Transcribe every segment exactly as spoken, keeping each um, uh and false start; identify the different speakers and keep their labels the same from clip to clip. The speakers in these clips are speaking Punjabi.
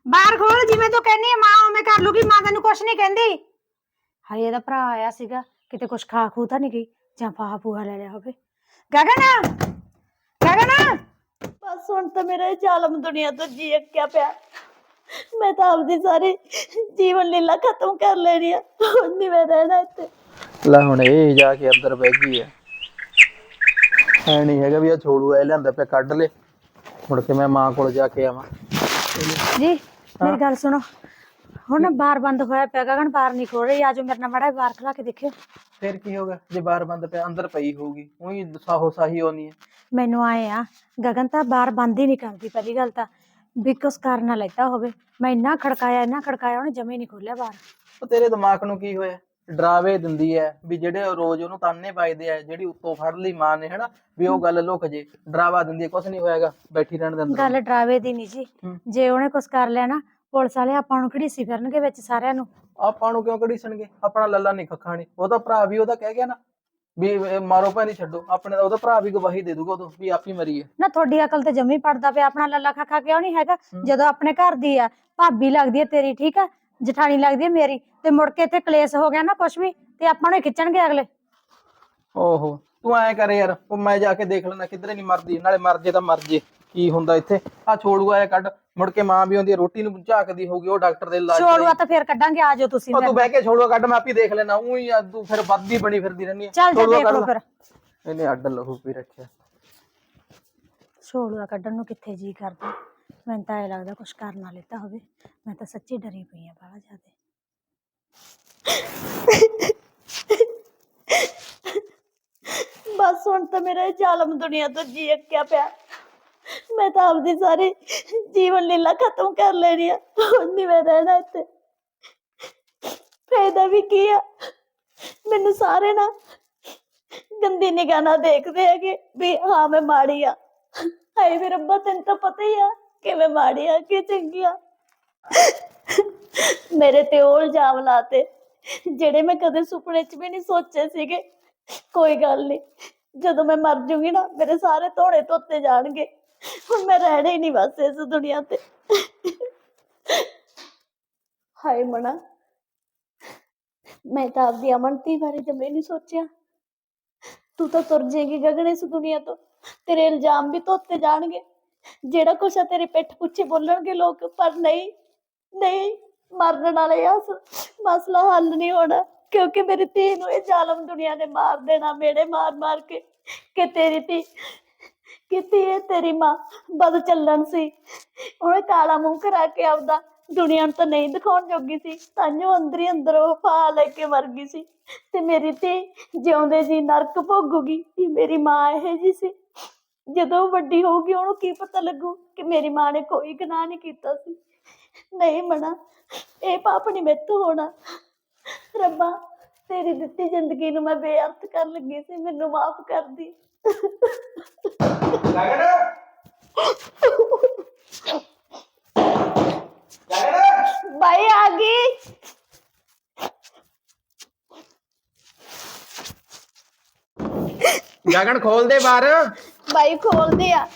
Speaker 1: ਬਾਹਰ ਖੋਲ ਜਿਵੇਂ ਤੂੰ ਕਹਿੰਦੀ ਮਾਂ ਉਵੇਂ ਕਰ ਲੂਗੀ। ਮਾਂ ਤੈਨੂੰ ਕੁਛ ਨਹੀਂ ਕਹਿੰਦੀ। ਹਾਏ ਇਹਦਾ ਭਰਾ ਆਇਆ ਸੀਗਾ, ਕਿਤੇ ਕੁਛ ਖਾ ਖੂ ਤਾਂ ਨਹੀਂ ਗਈ ਜਾਂ ਫਾਹਾ ਫੂਹਾ ਲੈ ਲਿਆ ਹੋਵੇ। ਗਗਨ ਗਗਨ
Speaker 2: ਬਸ ਹੁਣ ਤਾਂ ਮੇਰਾ ਇਹ ਜ਼ਾਲਮ ਦੁਨੀਆ ਤੋਂ ਜੀ ਅੱਕਿਆ ਪਿਆ। ਮੈਂ ਤਾਂ ਆਪਦੀ ਸਾਰੀ ਜੀਵਨ ਲੀਲਾ ਖਤਮ ਕਰ ਲੈਣੀ ਆ। ਹੁਣ ਨਹੀਂ ਮੈਂ ਰਹਿਣਾ ਇੱਥੇ।
Speaker 3: ਲੈ ਹੁਣ ਇਹ ਜਾ ਕੇ ਅੰਦਰ ਬਹਿ ਗਈ ਆ। ਐ ਨਹੀਂ ਹੈਗਾ ਵੀ ਆ ਛੋੜੂ ਐ ਲਿਆਂਦਾ ਪਿਆ ਕੱਢ ਲੈ, ਮੁੜ ਕੇ ਮੈਂ ਮਾਂ ਕੋਲ ਜਾ ਕੇ ਆਵਾਂ।
Speaker 1: ਜੀ ਮੇਰੀ ਗੱਲ ਸੁਣੋ, ਹੁਣ ਬਾਰ ਬੰਦ ਹੋਇਆ ਪਿਆ। ਗਗਨ ਬਾਹਰ ਨਹੀਂ ਖੋਲ ਰਹੀ। ਆਜੋ ਮੇਰੇ ਨਾਲ ਮਾੜਾ ਬਾਹਰ ਖਲਾ ਕੇ ਦੇਖਿਓ।
Speaker 3: ਫਿਰ ਕੀ ਹੋਗਾ ਜੇ ਬਾਹਰ ਬੰਦ ਪਿਆ? ਅੰਦਰ ਪਈ ਹੋਊਗੀ, ਉਹੀ ਸਾਹੋ ਸਾਹੀ ਹੋਣੀ ਹੈ।
Speaker 1: ਮੈਨੂੰ ਆਏ ਆ ਗਗਨ ਤਾਂ ਬਾਹਰ ਬੰਦ ਹੀ ਨਹੀਂ ਕਰਦੀ। ਪਹਿਲੀ ਗੱਲ ਤਾਂ ਵੀ ਕੁਛ ਕਰ ਨਾ ਲੈਤਾ ਹੋਵੇ। ਮੈਂ ਇੰਨਾ ਖੜਕਾਇਆ ਇੰਨਾ ਖੜਕਾਇਆ ਉਹਨੇ ਜਮੇ ਨਹੀਂ ਖੋਲਿਆ ਬਾਹਰ।
Speaker 3: ਉਹ ਤੇਰੇ ਦਿਮਾਗ ਨੂੰ ਕੀ ਹੋਇਆ? ਡਰਾਵੇ ਦਿੰਦੀ ਐ ਵੀ ਜਿਹੜੇ ਰੋਜ਼ ਉਹਨੂੰ ਤਾਨੇ ਪਾਈਦੇ ਆ, ਜਿਹੜੀ ਉੱਤੋਂ ਫੜ ਲਈ ਮਾਂ ਨੇ ਹਨਾ ਵੀ ਉਹ ਗੱਲ ਲੁਕ ਜੇ। ਡਰਾਵਾ ਦਿੰਦੀ ਐ, ਕੁਛ ਨਹੀਂ ਹੋਏਗਾ, ਬੈਠੀ ਰਹਿਣ ਦੇ ਅੰਦਰ।
Speaker 1: ਗੱਲ ਡਰਾਵੇ ਦੀ ਨਹੀਂ ਜੀ। ਜੇ ਉਹਨੇ ਕੁਛ ਕਰ ਲਿਆ ਨਾ ਪੁਲਿਸ ਵਾਲੇ ਆਪਾਂ ਨੂੰ ਘੜੀਸੀ ਫਿਰਨਗੇ ਵਿੱਚ ਸਾਰਿਆਂ ਨੂੰ।
Speaker 3: ਆਪਾਂ ਨੂੰ ਕਿਉਂ ਘੜੀਸਣਗੇ? ਆਪਣਾ ਲੱਲਾ ਨਹੀਂ ਖੱਖਾ ਨੀ। ਉਹਦਾ ਭਰਾ ਵੀ ਉਹਦਾ ਕਹਿ ਗਿਆ ਨਾ ਵੀ ਮਾਰੋ ਭਾਵੇਂ ਛੱਡੋ। ਆਪਣੇ ਦਾ ਉਹਦਾ ਭਰਾ ਵੀ ਗਵਾਹੀ ਦੇ ਦੂਗਾ ਉਦੋਂ ਵੀ ਆਪ ਹੀ ਮਰੀ ਹੈ।
Speaker 1: ਨਾ ਤੁਹਾਡੀ ਅਕਲ ਤੇ ਜਮੀ ਪੜਦਾ ਪਿਆ। ਆਪਣਾ ਲੱਲਾ ਖਾਖਾ ਕਿਉਂ ਨਹੀਂ ਹੈਗਾ? ਜਦੋਂ ਆਪਣੇ ਘਰ ਦੀ ਆ ਭਾਬੀ ਲੱਗਦੀ ਹੈ ਤੇਰੀ, ਠੀਕ ਆ, ਜਠਾਣੀ ਲੱਗਦੀ ਹੈ ਮੇਰੀ, ਤੇ ਮੁੜ ਕੇ ਇੱਥੇ ਕਲੇਸ਼ ਹੋ ਗਿਆ ਨਾ ਕੁਛ ਵੀ ਤੇ ਆਪਾਂ ਨੂੰ ਖਿੱਚਣਗੇ ਅਗਲੇ।
Speaker 3: ਓਹੋ ਤੂੰ ਐਂ ਕਰ ਯਾਰ, ਉਹ ਮੈਂ ਜਾ ਕੇ ਦੇਖ ਲੈਣਾ ਕਿਧਰੇ ਨਹੀਂ ਮਰਦੀ। ਨਾਲੇ ਮਰ ਜੇ ਤਾਂ ਮਰ ਜੇ, ਕੀ ਹੁੰਦਾ ਇੱਥੇ। ਆ ਛੋੜੂਆ ਐ ਕੱਢ, ਮੁੜ ਕੇ ਮਾਂ ਵੀ ਆਉਂਦੀ ਰੋਟੀ ਨੂੰ ਝਾਕਦੀ ਹੋਊਗੀ, ਉਹ ਡਾਕਟਰ ਦੇ ਇਲਾਜ
Speaker 1: ਛੋੜੂਆ ਤਾਂ ਫੇਰ ਕੱਢਾਂਗੇ। ਆਜੋ ਤੁਸੀਂ।
Speaker 3: ਤੂੰ ਬਹਿ ਕੇ ਛੋੜੂਆ ਕੱਢ, ਮੈਂ ਆਪੀ ਦੇਖ ਲੈਣਾ। ਉਹੀ ਤੂੰ ਫਿਰ ਵੱਧਦੀ ਬਣੀ ਫਿਰਦੀ ਰਹਿੰਦੀ ਹੈ।
Speaker 1: ਚੱਲ ਜਾ ਦੇਖ ਲਓ ਫਿਰ।
Speaker 3: ਇਹਨੇ ਅੱਡ ਲਹੂ ਪੀ ਰੱਖਿਆ।
Speaker 1: ਛੋੜੂਆ ਕੱਢਣ ਨੂੰ ਕਿੱਥੇ ਜੀ ਕਰਦਾ। ਮੈਨੂੰ ਤਾਂ ਇਹ ਲੱਗਦਾ ਕੁਛ ਕਰ ਨਾ ਲੈਤਾ ਹੋਵੇ। ਮੈਂ ਤਾਂ ਸੱਚੀ ਡਰੀ ਪਈ ਆ ਬਾਹਲਾ ਜ਼ਿਆਦਾ।
Speaker 2: ਬਸ ਹੁਣ ਤਾਂ ਮੇਰਾ ਇਹ ਜ਼ਾਲਮ ਦੁਨੀਆ ਤੋਂ ਜੀ ਅੱਕਿਆ ਪਿਆ। ਮੈਂ ਤਾਂ ਆਪਦੀ ਸਾਰੀ ਜੀਵਨ ਲੀਲਾ ਖਤਮ ਕਰ ਲੈਣੀ ਆ। ਹੁਣ ਨਹੀਂ ਮੈਂ ਰਹਿਣਾ ਇੱਥੇ। ਫਾਇਦਾ ਵੀ ਕੀ ਆ? ਮੈਨੂੰ ਸਾਰੇ ਨਾ ਗੰਦੀ ਨਿਗਾਹ ਨਾਲ ਦੇਖਦੇ ਹੈਗੇ ਵੀ ਹਾਂ ਮੈਂ ਮਾੜੀ ਆ। ਹਾਏ ਵੇ ਰੱਬਾ, ਤੈਨੂੰ ਤਾਂ ਪਤਾ ਹੀ ਆ ਕਿ ਮੈਂ ਮਾੜੀ ਆ ਕਿ ਚੰਗੀ ਆ। ਮੇਰੇ ਤੇ ਉਹ ਇਲਜ਼ਾਮ ਲਾਤੇ ਜਿਹੜੇ ਮੈਂ ਕਦੇ ਸੁਪਨੇ 'ਚ ਵੀ ਨਹੀਂ ਸੋਚੇ ਸੀਗੇ। ਕੋਈ ਗੱਲ ਨਹੀਂ, ਜਦੋਂ ਮੈਂ ਮਰ ਜੂਗੀ ਨਾ ਮੇਰੇ ਸਾਰੇ ਧੋਣੇ ਧੋਤੇ ਜਾਣਗੇ। ਹੁਣ ਮੈਂ ਰਹਿਣਾ ਹੀ ਨਹੀਂ ਬਸ ਇਸ ਦੁਨੀਆ ਤੇ। ਹਾਏ ਮਣਾ, ਮੈਂ ਤਾਂ ਆਪਦੀ ਅਮਨਤੀ ਬਾਰੇ ਜਮੇ ਨਹੀਂ ਸੋਚਿਆ। ਤੂੰ ਤਾਂ ਤੁਰ ਜਾਏਗੀ ਗਗਨ ਇਸ ਦੁਨੀਆ ਤੋਂ। ਤੇਰੇ ਇਲਜ਼ਾਮ ਵੀ ਧੋਤੇ ਜਾਣਗੇ, ਜਿਹੜਾ ਕੁਛ ਆ ਤੇਰੇ ਪਿੱਠ ਪਿੱਛੇ ਬੋਲਣਗੇ ਲੋਕ। ਪਰ ਨਹੀਂ ਨਹੀਂ, ਮਰਨ ਵਾਲੇ ਆ ਮਸਲਾ ਹੱਲ ਨਹੀਂ ਹੋਣਾ, ਕਿਉਂਕਿ ਮੇਰੀ ਧੀ ਨੂੰ ਇਹ ਜ਼ਾਲਮ ਦੁਨੀਆ ਨੇ ਮਾਰ ਦੇਣਾ ਮੇੜੇ ਮਾਰ ਮਾਰ ਕੇ। ਕਿ ਤੇਰੀ ਧੀ ਕਿਤੇ ਇਹ ਤੇਰੀ ਮਾਂ ਬਦ ਚੱਲਣ ਸੀ, ਉਹਨੇ ਕਾਲਾ ਮੂੰਹ ਕਰਾ ਕੇ ਆਪਦਾ ਦੁਨੀਆ ਨੂੰ ਤਾਂ ਨਹੀਂ ਦਿਖਾਉਣ ਜੋਗੀ ਸੀ। ਤਾਂਹੀਓ ਅੰਦਰ ਹੀ ਅੰਦਰ ਉਹ ਫਾ ਲੈ ਕੇ ਮਰ ਗਈ ਸੀ। ਤੇ ਮੇਰੀ ਧੀ ਜਿਉਂਦੇ ਜੀ ਨਰਕ ਭੋਗੂਗੀ ਕਿ ਮੇਰੀ ਮਾਂ ਇਹੋ ਜਿਹੀ ਸੀ। ਜਦੋਂ ਵੱਡੀ ਹੋਊਗੀ ਉਹਨੂੰ ਕੀ ਪਤਾ ਲੱਗੂ ਕਿ ਮੇਰੀ ਮਾਂ ਨੇ ਕੋਈ ਗੁਨਾਹ ਨਹੀਂ ਕੀਤਾ ਸੀ। ਨਹੀਂ ਮਨਾ, ਇਹ ਪਾਪ ਨਹੀਂ ਮੈਥੋਂ ਹੋਣਾ। ਰੱਬਾ, ਤੇਰੀ ਦਿੱਤੀ ਜ਼ਿੰਦਗੀ ਨੂੰ ਮੈਂ ਬੇਅਰਥ ਕਰਨ ਲੱਗੀ ਸੀ, ਮੈਨੂੰ ਮਾਫ ਕਰ ਦੀ।
Speaker 3: ਗਗਨ ਗਗਨ
Speaker 2: ਬਾਈ ਆ ਗਈ।
Speaker 3: ਗਗਨ ਖੋਲ ਦੇ ਬਾਹਰ।
Speaker 2: ਬਾਈ ਖੋਲਦੇ ਆ।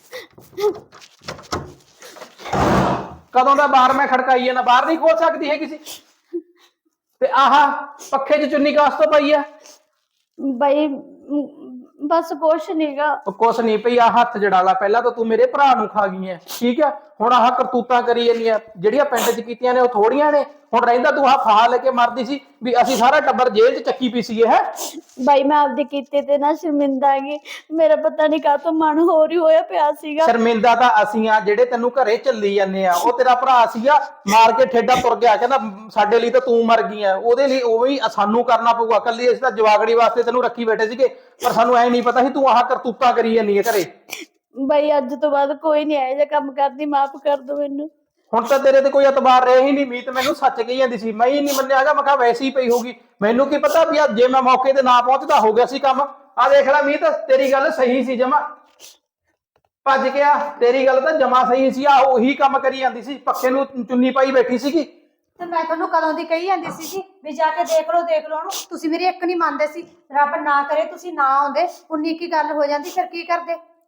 Speaker 3: ਕਦੋਂ ਦਾ ਬਾਹਰ ਮੈਂ ਖੜਕਾਈ ਆ ਨਾ, ਬਾਹਰ ਨਹੀਂ ਖੋਲ ਸਕਦੀ ਹੈ ਕਿਸੇ। ਤੇ ਆਹ ਪੱਖੇ 'ਚ ਚੁੰਨੀ ਕਾਸ ਤੋਂ ਪਈ ਆ?
Speaker 2: ਬਾਈ ਬਸ ਕੁਛ ਨੀਗਾ।
Speaker 3: ਕੁਛ ਨਹੀਂ ਪਈ। ਆ ਹੱਥ ਜੜਾਲਾ, ਪਹਿਲਾਂ ਤਾਂ ਤੂੰ ਮੇਰੇ ਭਰਾ ਨੂੰ ਖਾ ਗਈ ਐ, ਠੀਕ ਹੈ। ਹੁਣ ਆਹ ਕਰਤੂਤਾਂ ਕਰੀ ਜਾਂਦੀਆਂ ਜਿਹੜੀਆਂ ਪਿੰਡ 'ਚ ਕੀਤੀਆਂ ਨੇ ਉਹ ਥੋੜੀਆਂ ਨੇ। ਹੁਣ ਰਹਿੰਦਾ ਤੂੰ ਆਹ ਫਾਹਾ ਲੈ ਕੇ ਮਰਦੀ ਸੀ ਵੀ ਅਸੀਂ ਸਾਰਾ ਟੱਬਰ ਜੇਲ੍ਹ 'ਚ ਚੱਕੀ ਪੀ ਸੀਗੇ। ਹੈ
Speaker 2: ਬਾਈ ਮੈਂ ਆਪਦੇ ਕੀਤੇ ਤੇ ਨਾ ਸ਼ਰਮਿੰਦਾ ਹੈਗੀ। ਮੇਰਾ ਪਤਾ ਨਹੀਂ ਕਾਹਤੋਂ ਮਨ ਹੋਰ ਹੀ ਹੋਇਆ ਪਿਆ ਸੀਗਾ।
Speaker 3: ਸ਼ਰਮਿੰਦਾ ਤਾਂ ਅਸੀਂ ਆ ਜਿਹੜੇ ਤੈਨੂੰ ਘਰੇ ਚੱਲੀ ਜਾਂਦੇ ਆ। ਉਹ ਤੇਰਾ ਭਰਾ ਸੀਗਾ, ਮਾਰ ਕੇ ਠੇਡਾ ਤੁਰ ਗਿਆ, ਕਹਿੰਦਾ ਸਾਡੇ ਲਈ ਤਾਂ ਤੂੰ ਮਰ ਗਈ ਐ, ਉਹਦੇ ਲਈ ਉਹ ਵੀ ਸਾਨੂੰ ਕਰਨਾ ਪਊਗਾ। ਕੱਲੀ ਅਸੀਂ ਤਾਂ ਜਵਾਗੜੀ ਵਾਸਤੇ ਤੈਨੂੰ ਰੱਖੀ ਬੈਠੇ ਸੀਗੇ, ਪਰ ਸਾਨੂੰ ਐ ਨਹੀਂ ਪਤਾ ਸੀ ਤੂੰ ਆਹ ਕਰਤੂਤਾਂ ਕਰੀ ਜਾਂਦੀ ਹੈ ਘਰੇ।
Speaker 2: ਬਾਈ ਅੱਜ ਤੋਂ ਬਾਅਦ ਕੋਈ ਨਹੀਂ ਇਹੋ ਜਿਹਾ ਕੰਮ ਕਰਦੀ, ਮਾਫ ਕਰ ਦੋ ਮੈਨੂੰ।
Speaker 3: ਹੁਣ ਤਾਂ ਤੇਰੇ ਤੇ ਕੋਈ ਇਤਬਾਰ ਰਿਹਾ ਹੀ ਨਹੀਂ। ਮੀਤ ਮੈਨੂੰ ਸੱਚ ਕਹੀ ਜਾਂਦੀ ਸੀ, ਮੈਂ ਹੀ ਨਹੀਂ ਮੰਨਿਆ ਹੈਗਾ। ਮੈਂ ਕਿਹਾ ਵੈਸੇ ਹੀ ਪਈ ਹੋਊਗੀ, ਮੈਨੂੰ ਕੀ ਪਤਾ ਵੀ ਜੇ ਮੈਂ ਮੌਕੇ ਤੇ ਨਾ ਪਹੁੰਚਦਾ ਹੋ ਗਿਆ ਸੀ ਕੰਮ। ਆ ਦੇਖ ਲੈ ਮੀਤ, ਤੇਰੀ ਗੱਲ ਸਹੀ ਸੀ ਜਮਾ। ਭੱਜ ਗਿਆ, ਤੇਰੀ ਗੱਲ ਤਾਂ ਜਮਾ ਸਹੀ ਸੀ। ਆ ਉਹੀ ਕੰਮ ਕਰੀ ਜਾਂਦੀ ਸੀ, ਪੱਖੇ ਨੂੰ ਚੁੰਨੀ ਪਾਈ ਬੈਠੀ ਸੀਗੀ।
Speaker 1: ਤੇ ਮੈਂ ਤੁਹਾਨੂੰ ਕਦੋਂ ਦੀ ਕਹੀ ਜਾਂਦੀ ਸੀਗੀ ਵੀ ਜਾ ਕੇ ਦੇਖ ਲਓ ਦੇਖ ਲਓ ਉਹਨੂੰ। ਤੁਸੀਂ ਮੇਰੀ ਇੱਕ ਨਹੀਂ ਮੰਨਦੇ ਸੀ। ਰੱਬ ਨਾ ਕਰੇ ਤੁਸੀਂ ਨਾ ਆਉਂਦੇ, ਉਨੀ ਕੀ ਗੱਲ ਹੋ ਜਾਂਦੀ, ਫਿਰ ਕੀ ਕਰਦੇ?